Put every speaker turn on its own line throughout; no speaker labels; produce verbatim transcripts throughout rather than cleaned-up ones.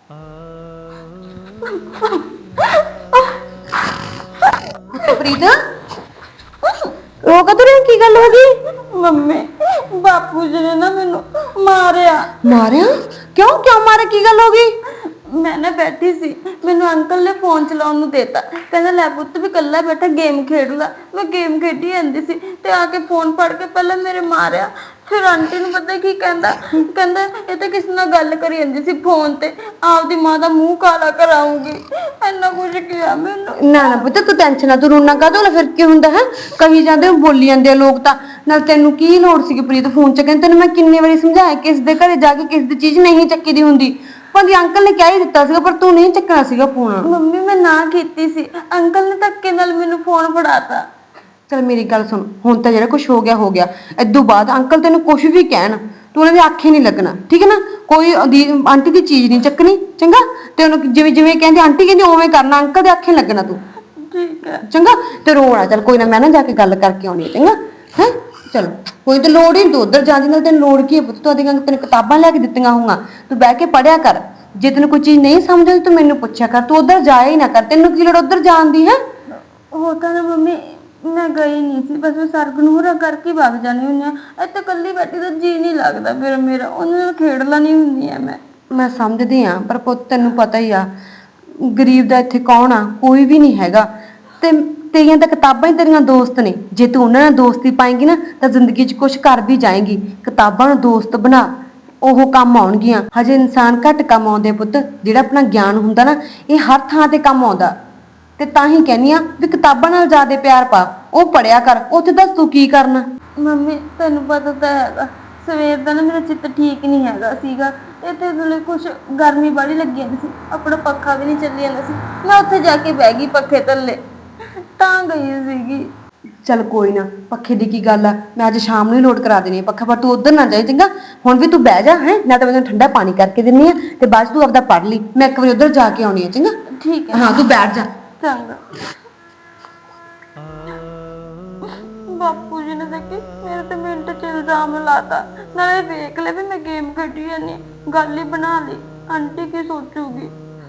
ਪ੍ਰੀਤ ਰੋ ਕਦੋਂ ਰਹੀ ਕੀ ਗੱਲ ਹੋ ਗਈ?
ਮੰਮੀ ਬਾਪੂ ਜੀ ਨੇ ਨਾ ਮੈਨੂੰ ਮਾਰਿਆ।
ਮਾਰਿਆ ਕਿਉਂ ਕਿਉਂ ਮਾਰਿਆ ਕੀ ਗੱਲ ਹੋ ਗਈ?
ਮੈਂ ਨਾ ਬੈਠੀ ਸੀ, ਮੈਨੂੰ ਅੰਕਲ ਨੇ ਫੋਨ ਚਲਾਉਣ ਨੂੰ ਦੇਤਾ, ਕਹਿੰਦਾ ਲੈ ਪੁੱਤ ਵੀ ਕੱਲਾ ਬੈਠਾ ਗੇਮ ਖੇਡ ਲਾ। ਮੈਂ ਗੇਮ ਖੇਡੀ ਜਾਂਦੀ ਸੀ ਤੇ ਆ ਕੇ ਫੋਨ ਫੜ ਕੇ ਪਹਿਲਾਂ ਮੇਰੇ ਮਾਰਿਆ, ਫਿਰ ਆਂਟੀ ਨੂੰ ਪਤਾ ਕੀ ਕਹਿੰਦਾ, ਕਹਿੰਦਾ ਇਹ ਤਾਂ ਕਿਸੇ ਨਾਲ ਗੱਲ ਕਰੀ ਜਾਂਦੀ ਸੀ ਫੋਨ ਤੇ, ਆਪਦੀ ਮਾਂ ਦਾ ਮੂੰਹ ਕਾਲਾ ਕਰਾਉਂਗੀ। ਇੰਨਾ ਕੁਝ ਕਿਹਾ ਮੈਨੂੰ।
ਨਾ ਨਾ ਪੁੱਤ ਤੂੰ ਟੈਨਸ਼ਨ ਨਾ, ਤੂੰ ਰੋਣਾ ਕਾਹਤੋਂ? ਫਿਰ ਕੀ ਹੁੰਦਾ ਹੈ, ਕਹੀ ਜਾਂਦੇ ਬੋਲੀ ਜਾਂਦੇ ਆ ਲੋਕ ਤਾਂ। ਨਾਲ ਤੈਨੂੰ ਕੀ ਲੋੜ ਸੀਗੀ ਪ੍ਰੀਤ ਫੋਨ ਚੱਕਣ? ਤੈਨੂੰ ਮੈਂ ਕਿੰਨੇ ਵਾਰੀ ਸਮਝਾਇਆ ਕਿਸ ਦੇ ਘਰੇ ਜਾ ਕੇ ਕਿਸ ਦੀ ਚੀਜ਼ ਨਹੀਂ ਚੱਕੀ ਦੀ ਹੁੰਦੀ। ਭਾਜੀ ਅੰਕਲ ਨੇ ਕਹਿ ਹੀ ਦਿੱਤਾ ਸੀਗਾ ਪਰ ਤੂੰ ਨਹੀਂ ਚੱਕਣਾ ਸੀਗਾ ਫੋਨ।
ਮੰਮੀ ਮੈਂ ਨਾ ਕੀਤੀ ਸੀ, ਅੰਕਲ ਨੇ ਧੱਕੇ ਨਾਲ ਮੈਨੂੰ ਫੋਨ ਫੜਾਤਾ।
ਚਲ ਮੇਰੀ ਗੱਲ ਸੁਣ, ਹੁਣ ਤਾਂ ਜਿਹੜਾ ਕੁਝ ਹੋ ਗਿਆ ਹੋ ਗਿਆ। ਇਦੋਂ ਬਾਅਦ ਅੰਕਲ ਤੈਨੂੰ ਕੁਝ ਵੀ ਕਹਿਣ ਤੂੰ ਉਹਨਾਂ ਦੇ ਆਖੇ ਨਹੀਂ ਲੱਗਣਾ, ਠੀਕ ਹੈ ਨਾ? ਕੋਈ ਆਂਟੀ ਦੀ ਚੀਜ਼ ਨਹੀਂ ਚੱਕਣੀ, ਚੰਗਾ? ਤੇ ਉਹਨੂੰ ਜਿਵੇਂ ਜਿਵੇਂ ਕਹਿੰਦੇ ਆਂਟੀ ਕਹਿੰਦੀ ਉਵੇਂ ਕਰਨਾ, ਅੰਕਲ ਦੇ ਆਖੇ ਲੱਗਣਾ ਤੂੰ,
ਠੀਕ ਹੈ?
ਚੰਗਾ? ਤੇ ਰੋਣਾ ਚੱਲ ਕੋਈ ਨਾ, ਮੈਂ ਨਾ ਜਾ ਕੇ ਗੱਲ ਕਰਕੇ ਆਉਣੀ ਹੈ, ਚੰਗਾ? ਹੈ ਚਲ ਕੋਈ ਤਾਂ ਲੋੜ ਹੀ ਨਹੀਂ, ਤੂੰ ਉੱਧਰ ਜਾਂਦੀ, ਨਾਲ ਤੈਨੂੰ ਲੋੜ ਕੀ ਹੈ ਪੁੱਤ? ਤੂੰ ਆਦੀਆਂ ਤੈਨੂੰ ਕਿਤਾਬਾਂ ਲੈ ਕੇ ਦਿੱਤੀਆਂ ਹੋਊਗਾ, ਤੂੰ ਬਹਿ ਕੇ ਪੜ੍ਹਿਆ ਕਰ। ਜੇ ਤੈਨੂੰ ਕੋਈ ਚੀਜ਼ ਨਹੀਂ ਸਮਝ ਆਉਂਦੀ ਤੂੰ ਮੈਨੂੰ ਪੁੱਛਿਆ ਕਰ, ਤੂੰ ਉੱਧਰ ਜਾਇਆ ਹੀ ਨਾ ਕਰ। ਤੈਨੂੰ ਕੀ ਲੋੜ ਉੱਧਰ ਜਾਣ ਦੀ? ਹੈ
ਉਹ ਤਾਂ ਨਾ ਮੰਮੀ ਮੈਂ ਗਈ ਨਹੀਂ ਸੀ, ਬਸ ਮੈਂ ਸਰਗਨੂਰਾ ਕਰਕੇ ਵਗ ਜਾਣੀ ਹੁੰਦੀ ਆ। ਇੱਥੇ ਇਕੱਲੀ ਬੈਠੀ ਤਾਂ ਜੀ ਨਹੀਂ ਲੱਗਦਾ ਫਿਰ ਮੇਰਾ, ਉਹਨਾਂ ਨਾਲ ਖੇਡ ਲੈਣੀ ਹੁੰਦੀ ਆ ਮੈਂ।
ਮੈਂ ਸਮਝਦੀ ਆ ਪਰ ਪੁੱਤ ਤੈਨੂੰ ਪਤਾ ਹੀ ਆ ਗਰੀਬ ਦਾ ਇੱਥੇ ਕੌਣ ਆ? ਕੋਈ ਵੀ ਨਹੀਂ ਹੈਗਾ। ਤੇ ਤੇਰੀਆਂ ਤਾਂ ਕਿਤਾਬਾਂ ਹੀ ਤੇਰੀਆਂ ਦੋਸਤ ਨੇ, ਜੇ ਤੂੰ ਉਹਨਾਂ ਨਾਲ ਦੋਸਤੀ ਪਾਏਂਗੀ ਨਾ ਤਾਂ ਜ਼ਿੰਦਗੀ 'ਚ ਕੁਝ ਕਰ ਵੀ ਜਾਏਂਗੀ। ਕਿਤਾਬਾਂ ਨੂੰ ਦੋਸਤ ਬਣਾ, ਉਹ ਕੰਮ ਆਉਣਗੀਆਂ। ਹਜੇ ਇਨਸਾਨ ਘੱਟ ਕੰਮ ਆਉਂਦੇ ਪੁੱਤ, ਜਿਹੜਾ ਆਪਣਾ ਗਿਆਨ ਹੁੰਦਾ ਨਾ ਇਹ ਹਰ ਥਾਂ ਤੇ ਕੰਮ ਆਉਂਦਾ। ਤੇ ਤਾਂ ਹੀ ਕਹਿੰਦੀ ਆ ਵੀ ਕਿਤਾਬਾਂ ਨਾਲ ਜ਼ਿਆਦਾ ਪਿਆਰ ਪਾ, ਉਹ ਪੜਿਆ ਕਰ। ਉੱਥੇ ਦੱਸ ਤੂੰ ਕੀ ਕਰਨਾ?
ਮੰਮੀ ਤੈਨੂੰ ਪਤਾ ਤਾਂ ਹੈਗਾ ਸਵੇਰ ਦਾ ਨਾ ਮੇਰਾ ਚਿੱਤ ਠੀਕ ਨਹੀਂ ਹੈਗਾ ਸੀਗਾ। ਇੱਥੇ ਥੋੜੀ ਕੁਛ ਗਰਮੀ ਬੜੀ ਲੱਗੀ ਜਾਂਦੀ ਸੀ, ਆਪਣਾ ਪੱਖਾ ਵੀ ਨਹੀਂ ਚੱਲੀ ਜਾਂਦਾ ਸੀ। ਮੈਂ ਉੱਥੇ ਜਾ ਕੇ ਬਹਿ ਗਈ ਪੱਖੇ ਥੱਲੇ, ਤਾਂ ਗਈ ਸੀਗੀ।
ਚੱਲ ਕੋਈ ਨਾ, ਪੱਖੇ ਦੀ ਕੀ ਗੱਲ ਆ, ਮੈਂ ਅੱਜ ਸ਼ਾਮ ਨੂੰ ਹੀ ਲੋਡ ਕਰਾ ਦੇਣੀ ਆ ਪੱਖਾ, ਪਰ ਤੂੰ ਉਧਰ ਨਾ ਜਾਈ, ਚੰਗਾ? ਹੁਣ ਵੀ ਤੂੰ ਬਹਿ ਜਾ, ਹੈ ਨਾ? ਤਾਂ ਮੈਂ ਤੈਨੂੰ ਠੰਡਾ ਪਾਣੀ ਕਰਕੇ ਦਿੰਨੀ ਆ ਤੇ ਬਾਅਦ 'ਚ ਤੂੰ ਆਪਦਾ ਪੜ ਲਈ। ਮੈਂ ਇੱਕ ਵਾਰੀ ਉਧਰ ਜਾ ਕੇ ਆਉਣੀ ਆ, ਚੰਗਾ?
ਠੀਕ ਹੈ?
ਹਾਂ ਤੂੰ ਬੈਠ ਜਾ।
ਚੰਗਾ। ਬਾਪੂ ਜੀ ਨੇ ਦੇਖੀ ਮੇਰੇ ਤੇ ਮਿੰਟ ਚ ਇਲਜ਼ਾਮ ਲਾਤਾ, ਨਾਲੇ ਵੇਖ ਲੈ ਵੀ ਮੈਂ ਗੇਮ ਖੇਡੀ ਜਾਂਦੀ, ਗੱਲ ਹੀ ਬਣਾ ਲਈ। ਆਂਟੀ ਕੀ ਸੋਚੂਗੀ?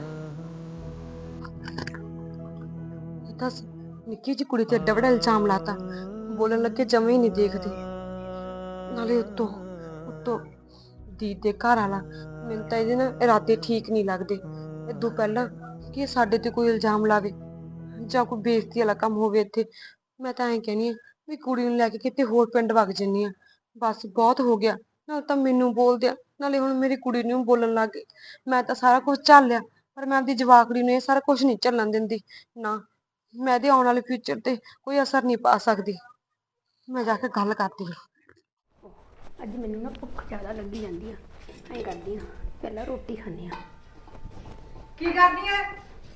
ਦੱਸ ਨਿੱਕੀ ਜਿਹੀ ਕੁੜੀ ਤੇ ਏਡਾ ਵੱਡਾ ਇਲਜ਼ਾਮ ਲਾਤਾ, ਬੋਲਣ ਲੱਗੇ ਜਮੇ ਹੀ ਨਹੀਂ ਦੇਖਦੀ। ਨਾਲੇ ਉੱਤੋਂ ਉੱਤੋਂ ਦੀਦ ਦੇ ਘਰ ਵਾਲਾ, ਮੈਨੂੰ ਤਾਂ ਇਹਦੇ ਨਾ ਇਰਾਦੇ ਠੀਕ ਨਹੀਂ ਲੱਗਦੇ। ਇਦੋਂ ਪਹਿਲਾਂ ਕਿ ਇਹ ਸਾਡੇ ਤੇ ਕੋਈ ਇਲਜ਼ਾਮ ਲਾਵੇ ਜਾਂ ਕੋਈ ਬੇਇੱਜ਼ਤੀ ਵਾਲਾ ਕੰਮ ਹੋਵੇ ਇੱਥੇ। ਮੈਂ ਤਾਂ ਐਂ ਕਹਿੰਦੀ ਆ ਵੀ ਕੁੜੀ ਨੂੰ ਲੈ ਕੇ ਕਿਤੇ ਹੋਰ ਪਿੰਡ ਵਗ ਜੰਨੀ ਆ, ਬਸ ਬਹੁਤ ਹੋ ਗਿਆ। ਨਾਲ ਤਾਂ ਮੈਨੂੰ ਬੋਲਦੇ ਆ, ਨਾਲੇ ਹੁਣ ਮੇਰੀ ਕੁੜੀ ਨੂੰ ਬੋਲਣ ਲੱਗ ਗਏ। ਮੈਂ ਤਾਂ ਸਾਰਾ ਕੁਝ ਝੱਲਿਆ ਪਰ ਮੈਂ ਆਪਦੀ ਜਵਾਕੜੀ ਨੂੰ ਇਹ ਸਾਰਾ ਕੁਝ ਨਹੀਂ ਝੱਲਣ ਦਿੰਦੀ। ਨਾ, ਮੈਂ ਇਹਦੇ ਆਉਣ ਵਾਲੇ ਫਿਊਚਰ ਤੇ ਕੋਈ ਅਸਰ ਨਹੀਂ ਪਾ ਸਕਦੀ। ਮੈਂ ਜਾ ਕੇ ਗੱਲ ਕਰਦੀ ਹਾਂ।
ਅੱਜ ਮੈਨੂੰ ਨਾ ਭੁੱਖ ਜ਼ਿਆਦਾ ਲੱਗੀ ਜਾਂਦੀ ਆ, ਐਂ ਕਰਦੀ ਆ ਪਹਿਲਾਂ ਰੋਟੀ ਖਾਂਦੀ ਆ।
ਕੀ ਕਰਦੀ ਐ?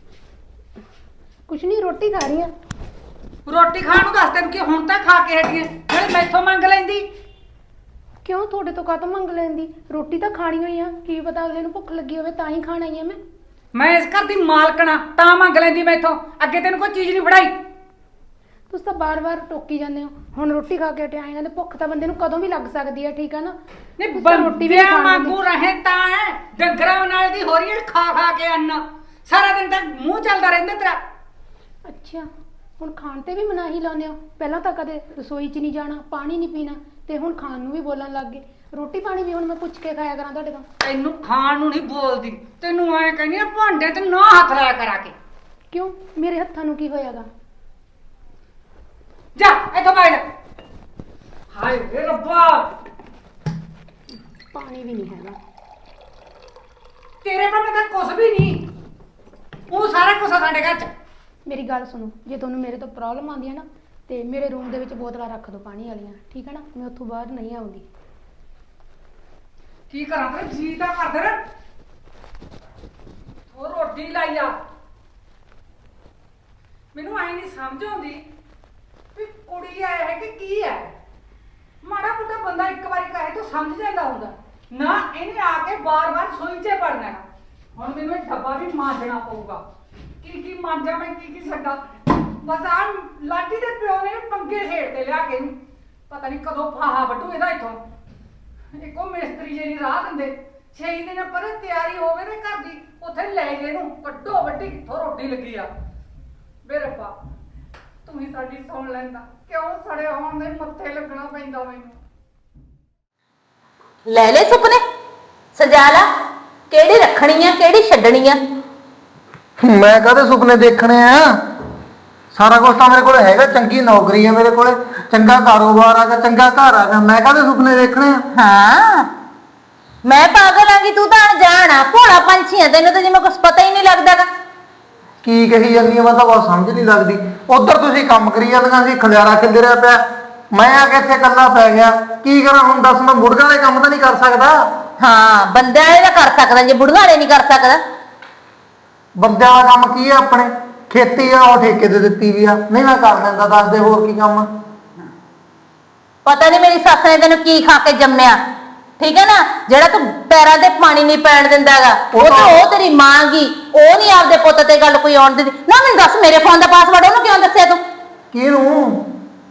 ਕੁਛ ਨਹੀਂ, ਰੋਟੀ ਖਾ ਰਹੀ ਆ।
ਰੋਟੀ ਖਾਣ ਨੂੰ ਦੱਸ ਤੈਨੂੰ ਕਿ ਹੁਣ ਤਾਂ ਖਾ ਕੇ ਹਟੀ ਐ, ਨਾਲੇ ਮੈਥੋਂ ਮੰਗ ਲੈਂਦੀ।
ਕਿਉਂ ਤੁਹਾਡੇ ਤੋਂ ਕਾਹਤੋਂ ਮੰਗ ਲੈਂਦੀ? ਰੋਟੀ ਤਾਂ ਖਾਣੀ ਹੋਈ ਆ, ਕੀ ਪਤਾ ਅਗਲੇ ਨੂੰ ਭੁੱਖ ਲੱਗੀ ਹੋਵੇ ਤਾਂ ਹੀ ਖਾਣ ਆਈ ਆ ਮੈਂ।
ਮੈਂ ਇਸ ਘਰ ਦੀ ਮਾਲਕਣਾ, ਤਾਂ ਮੰਗ ਲੈਂਦੀ ਮੈਥੋਂ। ਅੱਗੇ ਤੈਨੂੰ ਕੋਈ ਚੀਜ਼ ਨਹੀਂ ਫੜਾਈ।
ਤੁਸੀਂ ਤਾਂ ਬਾਰ-ਬਾਰ ਟੋਕੀ ਜਾਂਦੇ ਹੋ। ਹੁਣ ਰੋਟੀ ਖਾ ਕੇ ਹਟਿਆ ਆਏ, ਭੁੱਖ ਤਾਂ ਬੰਦੇ ਨੂੰ ਕਦੋਂ ਵੀ ਲੱਗ ਸਕਦੀ ਆ, ਠੀਕ ਆ ਨਾ?
ਨਹੀਂ ਬੰਦਿਆਂ ਵਾਂਗੂ ਰਹੇ ਤਾਂ ਐ, ਡੰਗਰਾਂ ਨਾਲ ਦੀ ਹੋ ਰਹੀ ਐ ਖਾ ਖਾ ਕੇ ਅੰਨ। ਸਾਰਾ ਦਿਨ ਤਾਂ ਮੂੰਹ ਚੱਲਦਾ ਰਹਿੰਦਾ ਤੇਰਾ।
ਅੱਛਾ, ਹੁਣ ਖਾਣ ਤੇ ਵੀ ਮਨਾਹੀ ਲਾਉਂਦੇ ਹੋ? ਪਹਿਲਾਂ ਤਾਂ ਕਦੇ ਰਸੋਈ 'ਚ ਨਹੀਂ ਜਾਣਾ, ਪਾਣੀ ਨਹੀਂ ਪੀਣਾ, ਤੇ ਹੁਣ ਖਾਣ ਨੂੰ ਵੀ ਬੋਲਣ ਲੱਗ ਗਏ। ਰੋਟੀ ਪਾਣੀ ਵੀ ਹੁਣ ਮੈਂ ਪੁੱਛ ਕੇ ਖਾਇਆ ਕਰਾਂ ਤੁਹਾਡੇ ਤੋਂ?
ਤੈਨੂੰ ਖਾਣ ਨੂੰ ਨਹੀਂ ਬੋਲਦੀ, ਤੈਨੂੰ ਐ ਕਹਿੰਦੀ ਆ ਭਾਂਡੇ ਤੇ ਨਾ ਹੱਥ ਲਾਇਆ ਕਰਾ ਕੇ।
ਕਿਉਂ, ਮੇਰੇ ਹੱਥਾਂ ਨੂੰ ਕੀ ਹੋਇਆਗਾ?
ਜਾ ਇੱਥੋਂ ਬਾਹਰ। ਹਾਏ ਵੇ ਰੱਬਾ,
ਪਾਣੀ ਵੀ ਨਹੀਂ ਹੈਗਾ
ਤੇਰੇ ਕੋਲ ਤਾਂ ਕੁਝ ਵੀ ਨਹੀਂ, ਉਹ ਸਾਰਾ ਕੁਝ ਸਾਡੇ ਘਰ 'ਚ।
ਮੇਰੀ ਗੱਲ ਸੁਣੋ, ਜੇ ਤੁਹਾਨੂੰ ਮੇਰੇ ਤੋਂ ਪ੍ਰੋਬਲਮ ਆਉਂਦੀ ਹੈ ਨਾ ਤੇ ਮੇਰੇ ਰੂਮ ਦੇ ਵਿੱਚ ਬੋਤਲਾਂ ਰੱਖ ਦਿਓ ਪਾਣੀ ਵਾਲੀਆਂ, ਠੀਕ ਹੈ ਨਾ? ਮੈਂ ਉੱਥੋਂ ਬਾਹਰ ਨਹੀਂ ਆਉਂਦੀ।
ਕੀ ਕਰਾਂ ਤੇ ਜੀ ਤਾਂ ਕਰਦੇ ਨਾ, ਉਹ ਰੋਟੀ ਲਾਈ ਆ। ਮੈਨੂੰ ਆਈ ਨਹੀਂ ਸਮਝ ਆਉਂਦੀ ਵੀ ਕੁੜੀ ਆਇਆ ਹੈ ਕਿ ਕੀ ਹੈ। ਮਾੜਾ ਮੋਟਾ ਬੰਦਾ ਇੱਕ ਵਾਰੀ ਕਹੇ ਤਾਂ ਸਮਝ ਜਾਂਦਾ ਹੁੰਦਾ ਨਾ, ਇਹਨੇ ਆ ਕੇ ਬਾਰ-ਬਾਰ ਸੋਈ 'ਚ ਪੜਨਾ। ਹੁਣ ਮੈਨੂੰ ਇਹ ਡੱਬਾ ਵੀ ਮਾਂਜਣਾ ਪਊਗਾ, ਕੀ ਕੀ ਮਾਂਜਾਂ ਮੈਂ, ਕੀ ਕੀ ਛੱਡਾਂ। ਬਸ ਆ ਲਾਡੀ ਦੇ ਪਿਓ ਨੇ ਪੰਗੇ ਛੇੜ ਤੇ ਲਿਆ ਕੇ ਇਹਨੂੰ, ਪਤਾ ਨਹੀਂ ਕਦੋਂ ਫਾਹਾ ਵੱਢੂ ਇਹਦਾ ਇੱਥੋਂ। ਇੱਕੋ ਮਿਸਤਰੀ ਜਿਹੜੀ ਰਾਹ ਦਿੰਦੇ, ਛੇ ਦਿਨ ਪਰ ਤਿਆਰੀ ਹੋਵੇ ਤੇ ਘਰ ਦੀ ਉੱਥੇ ਲੈ ਗਏ ਨੂੰ ਕੱਢੋ ਵੱਡੀ ਕਿੱਥੋਂ ਰੋਟੀ ਲੱਗੀ ਆ। ਵੇ ਰੱਬਾ ਤੂੰ ਹੀ ਸਾਡੀ ਸੁਣ ਲੈਂਦਾ, ਕਿਉਂ ਸੜੇ ਹੋਣ ਦੇ ਮੱਥੇ ਲੱਗਣਾ ਪੈਂਦਾ ਮੈਨੂੰ।
ਲੈ ਲੈ ਸੁਪਨੇ ਸਜਾ ਲਾ, ਕਿਹੜੀ ਰੱਖਣੀ ਆ ਕਿਹੜੀ ਛੱਡਣੀ ਆ।
ਮੈਂ ਕਾਹਦੇ ਸੁਪਨੇ ਦੇਖਣੇ ਆ? ਸਾਰਾ ਕੁਝ ਤਾਂ ਮੇਰੇ ਕੋਲ ਹੈਗਾ, ਚੰਗੀ ਨੌਕਰੀ ਹੈ ਮੇਰੇ ਕੋਲੇ, ਚੰਗਾ ਕਾਰੋਬਾਰ ਆਗਾ, ਚੰਗਾ ਘਰ ਆਗਾ, ਮੈਂ ਕਾਹਦੇ ਸੁਪਨੇ ਦੇਖਣੇ ਆ?
ਹਾਂ ਮੈਂ ਪਾਗਲ ਆਂਗੀ, ਤੂੰ ਤਾਂ ਅਣਜਾਣ ਆ, ਭੋਲਾ ਪੰਛੀ ਆ, ਤੈਨੂੰ ਤਾਂ ਜਿਵੇਂ ਕੁਝ ਪਤਾ ਹੀ ਨਹੀਂ ਲੱਗਦਾਗਾ।
ਕੀ ਕਹੀ ਜਾਂਦੀ ਆ, ਮੈਂ ਤਾਂ ਬਹੁਤ ਸਮਝ ਨਹੀਂ ਲੱਗਦੀ। ਉਧਰ ਤੁਸੀਂ ਕੰਮ ਕਰੀ ਜਾਂਦੀਆਂ ਸੀ, ਖਲਿਆਰਾ ਖਿਲਰਿਆ ਪਿਆ, ਮੈਂ ਆ ਕੇ ਇੱਥੇ ਇਕੱਲਾ ਪੈ ਗਿਆ। ਕੀ ਕਰਾਂ ਹੁਣ ਦੱਸ, ਮੈਂ ਮੁਰਗਾ ਵਾਲੇ ਕੰਮ ਤਾਂ ਨਹੀਂ ਕਰ ਸਕਦਾ।
ਹਾਂ ਬੰਦੇ ਵਾਲੇ ਦਾ ਕਰ ਸਕਦਾ, ਜੇ ਬੁੜੀਆਂ ਵਾਲੇ ਨਹੀਂ ਕਰ ਸਕਦਾ।
ਬੰਦਿਆਂ ਵਾਲਾ ਕੰਮ ਕੀ ਆ? ਆਪਣੇ ਖੇਤੀ ਆ, ਉਹ ਠੇਕੇ ਤੇ ਦਿੱਤੀ ਵੀ ਆ, ਨਹੀਂ ਮੈਂ ਕਰ ਲੈਂਦਾ। ਦੱਸ ਦੇ ਹੋਰ ਕੀ ਕੰਮ ਆ?
ਪਤਾ ਨਹੀਂ ਮੇਰੀ ਸੱਸ ਨੇ ਤੈਨੂੰ ਕੀ ਖਾ ਕੇ ਜੰਮਿਆ, ਠੀਕ ਹੈ ਨਾ, ਜਿਹੜਾ ਤੂੰ ਪੈਰਾਂ ਤੇ ਪਾਣੀ ਨਹੀਂ ਪੈਣ ਦਿੰਦਾਗਾ। ਉਹ ਤਾਂ ਉਹ ਤੇਰੀ ਮਾਂ ਗੀ, ਉਹ ਨਹੀਂ ਆਪਦੇ ਪੁੱਤ ਤੇ ਗੱਲ ਕੋਈ ਆਉਣ ਦਿੰਦੀ ਨਾ। ਮੈਨੂੰ ਦੱਸ ਮੇਰੇ ਫੋਨ ਦਾ ਪਾਸਵਰਡ ਉਹਨੂੰ ਕਿਉਂ ਦੱਸਿਆ ਤੂੰ?
ਕਿਹਨੂੰ?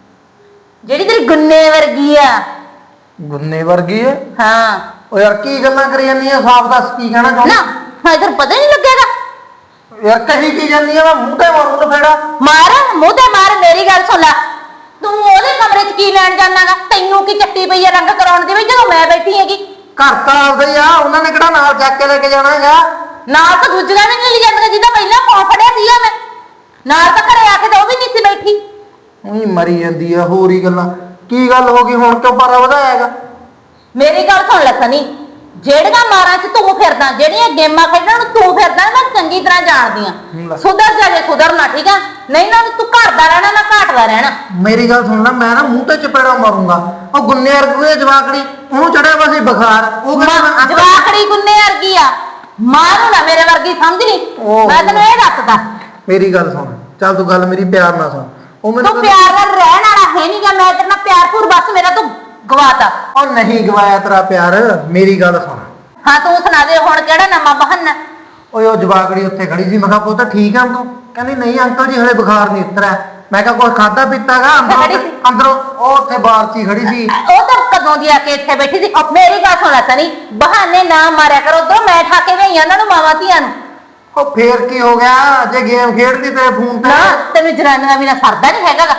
ਜਿਹੜੀ ਤੇਰੀ ਗੁੰਨੇ ਵਰਗੀ ਆ।
ਗੁੰਨੇ ਵਰਗੀ ਹੈ?
ਹਾਂ
ਉਹ ਯਾਰ ਕੀ ਗੱਲਾਂ ਕਰੀ ਜਾਂਦੀ ਆ, ਸਾਫ਼ ਦੱਸ ਕੀ ਕਹਿਣਾ ਚਾਹੁੰਦੀ?
ਨਾ ਹਾਂ ਤੈਨੂੰ ਪਤਾ ਨਹੀਂ ਲੱਗੇਗਾ।
ਯਾਰ ਕਹੀ ਕੀ ਜਾਂਦੀ ਆ, ਮੈਂ ਮੂੰਹ ਤੇ ਮਾਰੂ ਲਫੇੜਾ।
ਮਾਰ ਮੂੰਹ ਤੇ ਮਾਰ, ਮੇਰੀ ਗੱਲ ਸੁਣ ਲੈ। ਤੂੰ ਉਹਦੇ ਕਮਰੇ 'ਚ ਕੀ ਲੈਣ ਜਾਣਾਗਾ? ਤੈਨੂੰ ਕੀ ਚੱਟੀ ਪਈ ਆ ਰੰਗ ਕਰਾਉਣ ਦੀ ਵੀ ਜਦੋਂ ਮੈਂ ਬੈਠੀ ਹੈਗੀ?
ਘਰ ਤਾਂ ਆਪਦਾ ਹੀ ਆ, ਉਹਨਾਂ ਨੇ ਕਿਹੜਾ ਨਾਲ ਚੱਕ ਕੇ ਲੈ ਕੇ ਜਾਣਾ ਹੈਗਾ?
ਨਾਲ ਤਾਂ ਦੂਜੀਆਂ ਵੀ ਨਹੀਂ ਲਈ ਜਾਂਦੀਆਂ, ਜਿਹਦਾ ਪਹਿਲਾਂ ਫੋਨ ਫੜਿਆ ਸੀਗਾ ਮੈਂ। ਨਾਲ ਤਾਂ ਘਰੇ ਆ ਕੇ ਤਾਂ ਉਹ ਵੀ ਨਹੀਂ ਸੀ ਬੈਠੀ।
ਉਹੀ ਮਰੀ ਜਾਂਦੀ ਆ, ਹੋਰ ਹੀ ਗੱਲਾਂ। ਕੀ ਗੱਲ ਹੋ ਗਈ ਹੁਣ, ਕਿਉਂ ਪਾਰਾ ਵਧਾਇਆ ਹੈਗਾ?
ਮੇਰੀ ਗੱਲ ਸੁਣ ਲੈ ਸਨੀ, ਜਿਹੜੀਆਂ ਮਾਰਾਂ 'ਚ ਤੂੰ ਫਿਰਦਾ, ਜਿਹੜੀਆਂ ਗੇਮਾਂ ਖੇਡਣ ਨੂੰ ਤੂੰ ਫਿਰਦਾ, ਮੈਂ ਚੰਗੀ ਤਰ੍ਹਾਂ ਜਾਣਦੀ ਆ। ਸੁਧਰ ਜਾ ਜੇ ਸੁਧਰਨਾ, ਠੀਕ ਆ, ਨਹੀਂ ਨਾ ਤੂੰ ਘਰ ਦਾ ਰਹਿਣਾ ਨਾ ਘਾਟ ਦਾ ਰਹਿਣਾ।
ਮੇਰੀ ਗੱਲ ਸੁਣ ਲੈ, ਮੈਂ ਨਾ ਮੂੰਹ ਤੇ ਚਪੇੜਾ ਮਾਰੂੰਗਾ। ਉਹ ਗੁੰਨੇ ਵਰਗੇ ਜਵਾਕੜੀ, ਉਹਨੂੰ ਚੜਿਆ ਵਾ ਸੀ ਬੁਖਾਰ, ਉਹ ਕਹਿੰਦਾ
ਜਵਾਕੜੀ ਗੁੰਨੇ ਵਰਗੀ ਆ, ਮਾਂ ਨੂੰ ਨਾ ਮੇਰੇ ਵਰਗੀ ਸਮਝ ਲਈ। ਮੈਂ ਤੈਨੂੰ ਇਹ ਦੱਸਦਾ।
ਮੇਰੀ ਗੱਲ ਸੁਣ, ਚੱਲ ਤੂੰ ਗੱਲ ਮੇਰੀ ਪਿਆਰ ਨਾਲ ਸੁਣ। ਉਹ ਮੈਨੂੰ
ਤੂੰ ਪਿਆਰ ਨਾਲ ਰਹਿਣ ਵਾਲਾ ਹੈ ਨਹੀਂ ਗਾ, ਮੈਂ ਤੇਰੇ ਨਾਲ ਪਿਆਰ ਪੂਰ ਬਸ ਮੇਰਾ ਤੂੰ ਗਵਾਤਾ।
ਉਹ ਨਹੀਂ ਗਵਾਇਆ ਤੇਰਾ ਪਿਆਰ, ਮੇਰੀ ਗੱਲ ਸੁਣ।
ਹਾਂ ਤੂੰ ਸੁਣਾ ਦੇ ਹੁਣ ਕਿਹੜਾ ਨਵਾਂ ਬਹਾਨਾ?
ਓਏ ਉਹ ਜਵਾਕੜੀ ਉੱਥੇ ਖੜੀ ਸੀ, ਮੈਂ ਕਿਹਾ ਪੁੱਤ ਠੀਕ ਆ ਤੂੰ? ਕਹਿੰਦੀ ਨਹੀਂ ਅੰਕਲ ਜੀ ਹਲੇ ਬੁਖਾਰ ਨਹੀਂ ਉਤਰਿਆ। ਮੈਂ ਕਿਹਾ ਕੁਝ ਖਾਦਾ ਪੀਤਾਗਾ? ਅੰਦਰੋਂ ਅੰਦਰੋਂ ਉਹ ਉੱਥੇ ਬਾਹਰ 'ਚ ਹੀ ਖੜੀ ਸੀ।
ਉਹ ਤਾਂ ਕਦੋਂ ਦੀ ਆ ਕੇ ਇੱਥੇ ਬੈਠੀ ਸੀ। ਮੇਰੀ ਗੱਲ ਸੁਣ ਲੈ ਸਨੀ, ਬਹਾਨੇ ਨਾ ਮਾਰਿਆ ਕਰੋ, ਉਧਰੋਂ ਮੈਂ ਠਾ ਕੇ ਗਈ ਉਹਨਾਂ ਨੂੰ, ਮਾਵਾਂ ਧੀਆਂ ਨੂੰ।
ਉਹ ਫੇਰ ਕੀ ਹੋ ਗਿਆ, ਜੇ ਗੇਮ ਖੇਡਦੀ ਤੇਰੇ ਫੋਨ ਤੇ?
ਨਾ ਤੈਨੂੰ ਜਨਾਨੀਆਂ ਬਿਨਾਂ ਸਰਦਾ ਨਹੀਂ ਹੈਗਾ।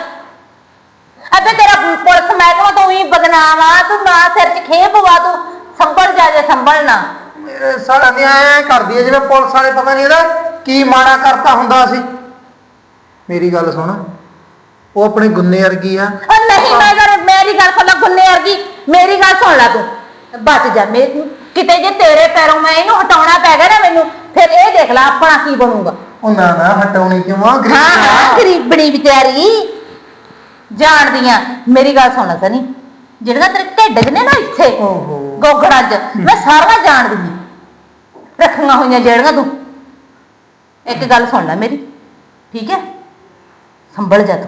ਅੱਬੇ ਤੇਰਾ ਪੁਲਿਸ ਮਹਿਕਮਾ ਤੋਂ ਵੀ ਬਦਨਾਮ ਆ, ਤੂੰ ਨਾ ਸਿਰ 'ਚ ਖੇ ਪਵਾ, ਤੂੰ ਸੰਭਲ ਜਾ ਜੇ ਸੰਭਲਣਾ।
ਮੇਰੇ ਸਾਲਾ ਦੀ ਐ ਕਰਦੀ ਐ ਜਿਵੇਂ ਪੁਲਿਸ ਵਾਲੇ ਪਤਾ ਨਹੀਂ ਇਹਦਾ ਕੀ ਮਾੜਾ ਕਰਤਾ ਹੁੰਦਾ ਸੀ। ਮੇਰੀ ਗੱਲ ਸੁਣ, ਉਹ ਆਪਣੇ ਗੁੰਨੇ ਵਰਗੀ ਆ।
ਉਹ ਨਹੀਂ ਮੈਂ ਕਰ ਮੇਰੀ ਗੱਲ ਸੁਣ ਲੈ ਗੁੰਨੇ ਵਰਗੀ, ਮੇਰੀ ਗੱਲ ਸੁਣ ਲੈ ਤੂੰ, ਬਚ ਜਾ। ਮੈਂ ਕਿਤੇ ਜੇ ਤੇਰੇ ਪੈਰੋਂ ਮੈਂ ਇਹਨੂੰ ਹਟਾਉਣਾ ਪੈ ਗਿਆ ਨਾ ਮੈਨੂੰ, ਫਿਰ ਇਹ ਦੇਖ ਲੈ ਆਪਣਾ ਕੀ ਬਣੂਗਾ।
ਉਹ ਨਾ ਨਾ ਹਟਾਉਣੀ ਕਿਉਂ ਆ?
ਹਾਂ ਹਾਂ ਗਰੀਬਣੀ ਵਿਚਾਰੀ ਜਾਣਦੀਆਂ। ਮੇਰੀ ਗੱਲ ਸੁਣ ਲੈ ਸਨੀ, ਜਿਹੜੀਆਂ ਤੇਰੇ ਢਿੱਡ 'ਚ ਨੇ ਨਾ ਇੱਥੇ
ਓਹੋ
ਗੋਗੜਾਂ 'ਚ, ਮੈਂ ਸਾਰੀਆਂ ਜਾਣਦੀ ਹਾਂ, ਰੱਖੀਆਂ ਹੋਈਆਂ ਜਿਹੜੀਆਂ ਤੂੰ। ਇੱਕ ਗੱਲ ਸੁਣ ਲੈ ਮੇਰੀ, ਠੀਕ ਹੈ, ਸੰਭਲ ਜਾ ਤੂੰ।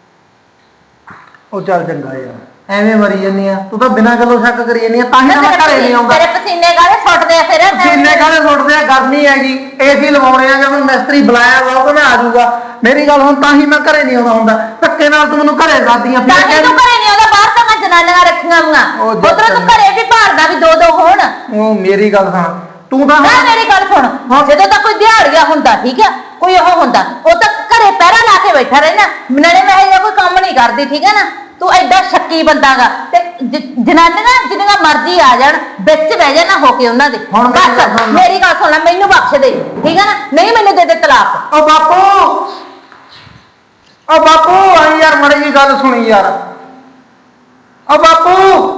ਉਹ ਚੱਲ ਚੰਗਾ ਯਾਰ, ਐਵੇਂ ਮਰੀ ਜੰਨੀ ਆ ਤੂੰ ਤਾਂ ਬਿਨਾਂ ਗੱਲੋਂ ਸ਼ੱਕ ਕਰੀ ਜੰਨੀ ਆ, ਤਾਂ ਹੀ ਤਾਂ ਮੈਂ ਘਰੇ ਨਹੀਂ ਆਉਂਦਾ।
ਤੇਰੇ ਪਸੀਨੇ ਕਾਹਦੇ ਸੁੱਟਦੇ ਆ ਫਿਰ?
ਪਸੀਨੇ ਕਾਹਦੇ ਸੁੱਟਦੇ ਆ? ਗਰਮੀ ਹੈਗੀ, ਏਸੀ ਲਵਾਉਣੇ ਆ, ਜਦੋਂ ਮਿਸਤਰੀ ਬੁਲਾਇਆ ਵਾ ਉਹ ਮੈਂ ਆ ਜਾਊਗਾ। ਮੇਰੀ ਗੱਲ ਹੁਣ, ਤਾਂ ਹੀ ਮੈਂ ਘਰੇ ਨਹੀਂ ਆਉਂਦਾ ਹੁੰਦਾ। ਧੱਕੇ ਨਾਲ ਤੂੰ ਮੈਨੂੰ ਘਰੇ ਸਾਦੀਆਂ
ਤਾਂ ਹੀ ਤੂੰ ਘਰੇ ਨਹੀਂ ਆਉਂਦਾ, ਬਾਹਰ ਤਾਂ ਮੈਂ ਜਨਾਨੀਆਂ ਰੱਖੀਆਂ ਹੋਈਆਂ,
ਉਹ ਜੱਟ
ਉਧਰੋਂ ਤੂੰ ਘਰੇ ਵੀ ਭਾਲਦਾ ਵੀ ਦੋ ਦੋ ਹੋਣ।
ਉਹ ਮੇਰੀ ਗੱਲ ਸੁਣ, ਤੂੰ ਤਾਂ
ਨਾ ਮੇਰੀ ਗੱਲ ਸੁਣ, ਜਦੋਂ ਤਾਂ ਕੋਈ ਦਿਹਾੜੀਆ ਹੁੰਦਾ, ਠੀਕ ਹੈ, ਕੋਈ ਉਹ ਹੁੰਦਾ, ਉਹ ਤਾਂ ਘਰੇ ਪਹਿਰਾ ਲਾ ਕੇ ਬੈਠਾ ਰਹਿਣਾ, ਨਾਲੇ ਮੈਂ ਇਹ ਕੋਈ ਕੰਮ ਨਹੀਂ ਕਰਦੀ, ਠੀਕ ਹੈ ਨਾ। ਤੂੰ ਐਡਾ ਸ਼ੱਕੀ ਬੰਦਾਗਾ, ਤੇ ਜਨਾਨੀਆਂ ਜਿੰਨੀਆਂ ਮਰਜ਼ੀ ਆ ਜਾਣ, ਵਿੱਚ ਬਹਿ ਜਾਣਾ ਹੋ ਕੇ ਉਹਨਾਂ ਦੇ।
ਹੁਣ
ਬਸ ਮੇਰੀ ਗੱਲ ਸੁਣ ਲੈ, ਮੈਨੂੰ ਬਖਸ਼ ਦੇ, ਠੀਕ ਹੈ ਨਾ, ਨਹੀਂ ਮੈਨੂੰ ਦੇ ਦੇ ਤਲਾਕ।
ਓ ਬਾਪੂ, ਓ ਬਾਪੂ ਆਈ ਯਾਰ, ਮੜੀ ਜੀ ਗੱਲ ਸੁਣੀ ਯਾਰ। ਓ ਬਾਪੂ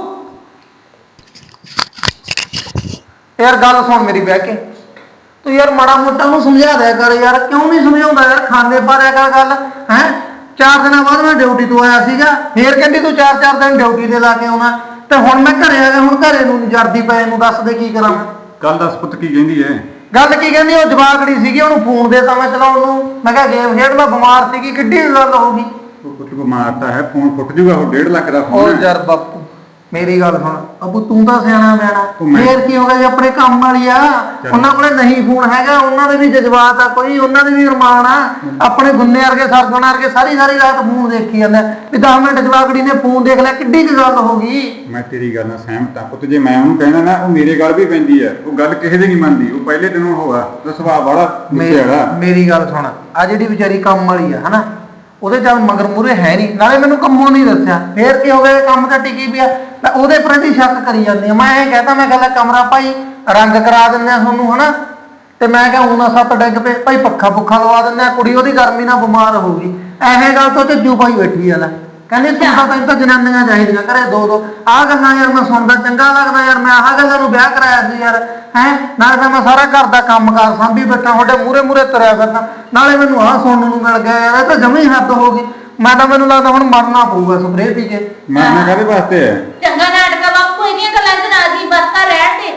ਯਾਰ ਗੱਲ ਸੁਣ ਮੇਰੀ ਬਹਿ ਕੇ, ਤੂੰ ਯਾਰ ਮਾੜਾ ਮੋਟਾ ਨੂੰ ਸਮਝਾ ਦਿਆ ਕਰ ਯਾਰ। ਕਿਉਂ ਨਹੀਂ ਸਮਝਾਉਂਦਾ ਯਾਰ? ਖਾਂਦੇ ਪਾਰਿਆ ਕਰ ਗੱਲ ਹੈ। ਚਾਰ ਦਿਨਾਂ ਬਾਅਦ ਮੈਂ ਡਿਊਟੀ ਤੋਂ ਆਇਆ ਸੀਗਾ, ਫੇਰ ਕਹਿੰਦੀ ਤੂੰ ਚਾਰ ਚਾਰ ਦਿਨ ਡਿਊਟੀ ਤੇ ਲਾ ਕੇ ਆਉਣਾ, ਤੇ ਹੁਣ ਮੈਂ ਘਰੇ ਆ ਗਿਆ। ਹੁਣ ਘਰੇ ਨੂੰ ਜਰਦੀ ਪਏ ਨੂੰ ਦੱਸ ਦੇ ਕੀ ਕਰਾਂ?
ਗੱਲ ਦੱਸ ਪੁੱਤ ਕੀ ਕਹਿੰਦੀ ਐ?
ਗੱਲ ਕੀ ਕਹਿੰਦੀ, ਉਹ ਜਵਾਕੜੀ ਸੀਗੀ, ਉਹਨੂੰ ਫੋਨ ਦੇਤਾ ਮੈਂ ਚਲਾਉਣ ਨੂੰ। ਮੈਂ ਕਿਹਾ ਗੇਮ ਖੇਡ ਲਾ, ਬਿਮਾਰ ਸੀਗੀ, ਕਿੱਡੀ ਗੱਲ ਹੋਊਗੀ।
ਉਹ ਪੁੱਤ ਬਿਮਾਰ ਤਾਂ ਹੈ, ਫੋਨ ਫੁੱਟ ਜੂਗਾ। ਉਹ ਡੇਢ ਲੱਖ ਦਾ
ਉਹ
ਫੋਨ ਹੈ।
ਯਾਰ ਬਾਪੂ ਮੇਰੀ ਗੱਲ ਸੁਣ ਅਬੂ, ਤੂੰ ਤਾਂ ਸਿਆਣਾ ਬਿਆਣਾ,
ਉਹ ਮੈਂ-
ਫੇਰ ਕੀ ਹੋ ਗਿਆ ਜੇ ਆਪਣੇ ਕੰਮ ਵਾਲੀ ਆ, ਉਹਨਾਂ ਕੋਲੇ ਨਹੀਂ ਫੋਨ ਹੈਗਾ, ਉਹਨਾਂ ਦੇ ਵੀ ਜਜ਼ਬਾਤ ਆ ਕੋਈ, ਉਹਨਾਂ ਦੇ ਵੀ ਅਰਮਾਨ ਆ। ਆਪਣੇ ਗੁੰਨੇ ਵਰਗੇ ਸਰਗੁਣ ਵਰਗੇ ਸਾਰੀ ਸਾਰੀ ਰਾਤ ਫੋਨ ਦੇਖੀ ਜਾਂਦੇ ਆ ਵੀ ਦਸ ਮਿੰਟ ਜਵਾਕੜੀ ਨੇ ਫੋਨ ਦੇਖ ਲਿਆ, ਕਿੱਡੀ ਕੁ ਗੱਲ ਹੋ ਗਈ।
ਮੈਂ ਤੇਰੀ ਗੱਲ ਨਾਲ ਸਹਿਮਤ ਹਾਂ ਪੁੱਤ। ਜੇ ਮੈਂ ਉਹਨੂੰ ਕਹਿਣਾ ਨਾ, ਉਹ ਮੇਰੇ ਗੱਲ ਵੀ ਪੈਂਦੀ ਹੈ। ਉਹ ਗੱਲ ਕਿਸੇ ਦੀ ਨਹੀਂ ਮੰਨਦੀ। ਉਹ ਪਹਿਲੇ ਦਿਨੋਂ ਹੋਗਾ ਦਾ ਸੁਭਾਅ ਬੜਾ ਗੁੱਸੇ ਵਾਲਾ।
ਮੇਰੀ ਗੱਲ ਸੁਣ, ਆ ਜਿਹੜੀ ਵਿਚਾਰੀ ਕੰਮ ਵਾਲੀ ਆ ਹਨਾ, ਉਹਦੇ ਚੱਲ ਮਗਰ ਮੂਰੇ ਹੈ ਨਹੀਂ, ਨਾਲੇ ਮੈਨੂੰ ਕੰਮੋਂ ਨਹੀਂ ਦੱਸਿਆ, ਫੇਰ ਕੀ ਹੋ ਗਿਆ, ਕੰਮ ਤਾਂ ਟਿਕੀ ਪਿਆ, ਮੈਂ ਉਹਦੇ ਪ੍ਰਤੀ ਸ਼ੱਕ ਕਰੀ ਜਾਂਦੀ ਆ। ਮੈਂ ਇਹ ਕਹਤਾ, ਮੈਂ ਕਹਿੰਦਾ ਕਮਰਾ ਭਾਈ ਰੰਗ ਕਰਾ ਦਿੰਦੇ ਆ ਤੁਹਾਨੂੰ ਹਨਾ, ਤੇ ਮੈਂ ਕਿਹਾ ਹੁਣ ਸੱਤ ਡਿੱਗ ਪਏ ਭਾਈ, ਪੱਖਾ ਪੁੱਖਾ ਲਵਾ ਦਿੰਦੇ ਆ, ਕੁੜੀ ਉਹਦੀ ਗਰਮੀ ਨਾਲ ਬਿਮਾਰ ਹੋ ਗਈ। ਇਹ ਗੱਲ ਤੋਂ ਝੱਜੂ ਭਾਈ ਬੈਠੀ ਆ ਲੈ, ਕਹਿੰਦੇ ਤੂੰ ਤਾਂ ਤੈਨੂੰ ਤਾਂ ਜਨਾਨੀਆਂ ਚਾਹੀਦੀਆਂ ਘਰੇ ਦੋ ਦੋ। ਆਹ ਗੱਲਾਂ ਯਾਰ ਮੈਂ ਸੁਣਦਾ ਚੰਗਾ ਲੱਗਦਾ ਯਾਰ, ਮੈਂ ਆਹ ਗੱਲਾਂ ਨੂੰ ਵਿਆਹ ਕਰਾਇਆ ਸੀ ਯਾਰ, ਹੈ ਨਾਲੇ ਤਾਂ ਮੈਂ ਸਾਰਾ ਘਰ ਦਾ ਕੰਮ ਕਾਰ ਸਾਂਭੀ ਬੈਠਾ, ਤੁਹਾਡੇ ਮੂਹਰੇ ਮੂਹਰੇ ਤੁਰਿਆ ਫਿਰਦਾ, ਨਾਲੇ ਮੈਨੂੰ ਆਹ ਸੁਣਨ ਨੂੰ ਮਿਲ ਗਿਆ ਯਾਰ, ਇਹ ਤਾਂ ਜਮੀ ਹੱਦ ਹੋ ਗਈ। ਮੈਂ ਤਾਂ ਮੈਨੂੰ ਲੱਗਦਾ ਹੁਣ ਮਰਨਾ ਪਊਗਾ ਸਪਰੇਅ ਪੀ ਕੇ।
ਮਰਨਾ ਕਾਹਦੇ ਵਾਸਤੇ ਹੈ?
ਚੰਗਾ ਨਾਟਕਾ ਬਾਪੂ, ਇਹਦੀਆਂ ਗੱਲਾਂ ਚ ਰਾਜੀ ਬਸਤਾ ਰਹਿਣ ਦੇ।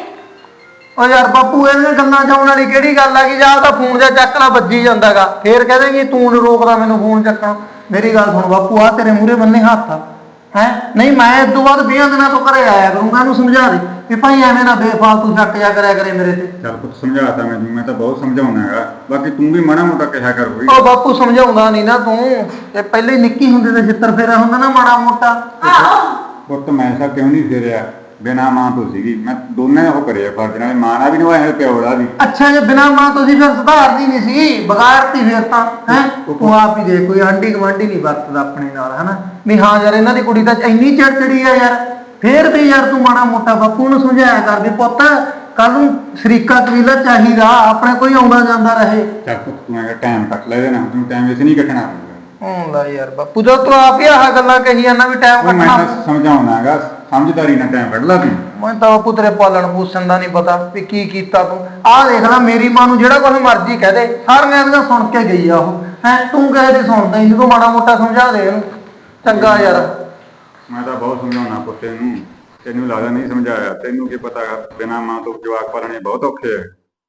ਓ ਯਾਰ ਬਾਪੂ, ਇਹਨਾਂ ਗੱਲਾਂ ਚ ਆਉਣ ਵਾਲੀ ਕਿਹੜੀ ਗੱਲ ਆ ਕਿ ਜਾਂ ਤਾਂ ਫੋਨ ਜਾਂ ਚੱਕਣਾ ਵੱਜੀ ਜਾਂਦਾਗਾ, ਫੇਰ ਕਹਦੇ ਤੂੰ ਨੀ ਰੋਕਦਾ ਮੈਨੂੰ ਫੋਨ ਚੱਕਣਾ। ਮੇਰੀ ਗੱਲ ਸੁਣ ਬਾਪੂ, ਆ ਤੇਰੇ ਮੂਹਰੇ ਬੰਨੇ ਹੱਥ ਆ ਹੈ ਨਹੀਂ, ਮੈਂ ਇਸ ਤੋਂ ਬਾਅਦ ਵੀਹ ਦਿਨਾਂ ਤੋਂ ਘਰੇ ਆਇਆ ਕਰੂੰਗਾ, ਇਹਨੂੰ ਸਮਝਾ ਦੇ ਵੀ ਭਾਈ ਐਵੇਂ ਨਾ ਬੇਫਾਲਤੂ ਸ਼ੱਕ ਜਾ ਕਰਿਆ ਕਰੇ ਮੇਰੇ ਤੇ।
ਚੱਲ ਪੁੱਤ ਸਮਝਾਤਾ ਮੈਨੂੰ, ਮੈਂ ਤਾਂ ਬਹੁਤ ਸਮਝਾਉਣਾ ਹੈਗਾ, ਬਾਕੀ ਤੂੰ ਵੀ ਮਾੜਾ ਮੋਟਾ ਕਿਹਾ ਕਰ ਕੋਈ।
ਓ ਬਾਪੂ ਸਮਝਾਉਂਦਾ ਨਹੀਂ ਨਾ ਤੂੰ, ਤੇ ਪਹਿਲੇ ਹੀ ਨਿੱਕੀ ਹੁੰਦੇ ਤੇ ਛਿੱਤਰ ਫੇਰਾ ਹੁੰਦਾ ਨਾ ਮਾੜਾ ਮੋਟਾ।
ਆਹੋ
ਪੁੱਤ ਮੈਂ ਸਾ ਕਿਉਂ ਨਹੀਂ ਫੇਰਿਆ, ਬਿਨਾਂ ਮਾਂ ਤੋਂ ਸੀਗੀ ਮੈਂ, ਦੋਨੇ ਉਹ ਕਰਿਆ ਫਰਜ਼ ਨਾਲ, ਮਾਂ ਨਾਲ ਵੀ ਨਿਭਾਇਆ ਪਿਓ ਦਾ ਵੀ।
ਅੱਛਾ ਜੇ ਬਿਨਾਂ ਮਾਂ ਤੁਸੀਂ ਫਿਰ ਸੁਧਾਰਦੀ ਨਹੀਂ ਸੀ, ਬਗਾੜਤੀ ਫਿਰ ਤਾਂ ਹੈ। ਤੂੰ ਆਪ ਹੀ ਦੇ, ਕੋਈ ਆਂਢੀ ਗੁਆਂਢੀ ਨਹੀਂ ਵਰਤਦਾ ਆਪਣੇ ਨਾਲ ਹਨਾ, ਵੀ ਹਾਂ ਯਾਰ ਇਹਨਾਂ ਦੀ ਕੁੜੀ ਤਾਂ ਇੰਨੀ ਚੜਚੜੀ ਆ ਯਾਰ, ਫੇਰ ਵੀ ਯਾਰ ਤੂੰ ਮਾੜਾ ਮੋਟਾ ਬਾਪੂ ਨੂੰ ਸਮਝਾਇਆ ਕਰ ਵੀ ਪੁੱਤ ਕੱਲ ਨੂੰ ਸ਼ਰੀਕਾ ਕਬੀਲਾ ਚਾਹੀਦਾ, ਆਪਣੇ ਕੋਈ ਆਉਂਦਾ ਜਾਂਦਾ ਰਹੇ।
ਚੱਲ ਪੁੱਤ ਤੂੰ ਐਂ ਟਾਈਮ ਕੱਟ ਲੈ ਨਾ, ਤੂੰ ਟਾਈਮ ਵੈਸੇ ਨਹੀਂ ਕੱਟਣਾ।
ਹੂੰ ਲੈ ਯਾਰ ਬਾਪੂ, ਜਦੋਂ ਤੂੰ ਆਪ ਹੀ ਆਹ ਗੱਲਾਂ ਕਹੀ ਜਾਂਦਾ ਵੀ ਟਾਈਮ
ਉਹ ਮੈਂ
ਕੱਟਣਾ।
ਤਾਂ ਸਮਝਾਉਣਾ ਹੈਗਾ, ਸਮਝਦਾਰੀ ਨਾਲ ਟਾਈਮ ਕੱਢ ਲਾ ਤੂੰ।
ਮੈਂ ਤਾਂ ਬਾਪੂ ਤੇਰੇ ਪਾਲਣ ਪੋਸ਼ਣ ਦਾ ਨਹੀਂ ਪਤਾ ਵੀ ਕੀ ਕੀਤਾ ਤੂੰ। ਆਹ ਦੇਖ ਲੈ, ਮੇਰੀ ਮਾਂ ਨੂੰ ਜਿਹੜਾ ਕੁਝ ਮਰਜ਼ੀ ਕਹਿ ਦੇ, ਸਾਰੀਆਂ ਇਹਦੀਆਂ ਸੁਣ ਕੇ ਗਈ ਆ ਉਹ, ਹੈ ਤੂੰ ਕਹੇ ਤੇ ਸੁਣਦਾ ਹੀ, ਜਦੋਂ ਮਾੜਾ ਮੋਟਾ ਸਮਝਾ ਦੇ ਇਹਨੂੰ ਚੰਗਾ ਯਾਰ।
ਮੈਂ ਤਾਂ ਬਹੁਤ ਸਮਝਾਉਣਾ ਪੁੱਤੇ ਨੂੰ, ਤੈਨੂੰ ਲੱਗਦਾ ਨਹੀਂ ਸਮਝਾਇਆ। ਤੈਨੂੰ ਕੀ ਪਤਾ ਬਿਨਾਂ ਮਾਂ ਤੋਂ ਜਵਾਕ ਪਾਲਣੇ ਬਹੁਤ ਔਖੇ ਹੈ।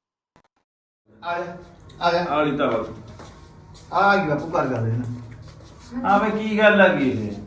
ਆ ਜਾ ਆ ਜਾ
ਆਲੀ ਤਾਂ ਬਸ
ਆ ਗਈ ਬਾਪੂ ਕਰ ਗੱਲ ਇਹਨਾਂ
ਆ ਵੇ ਕੀ ਗੱਲ ਆ ਗਈ ਇਹ?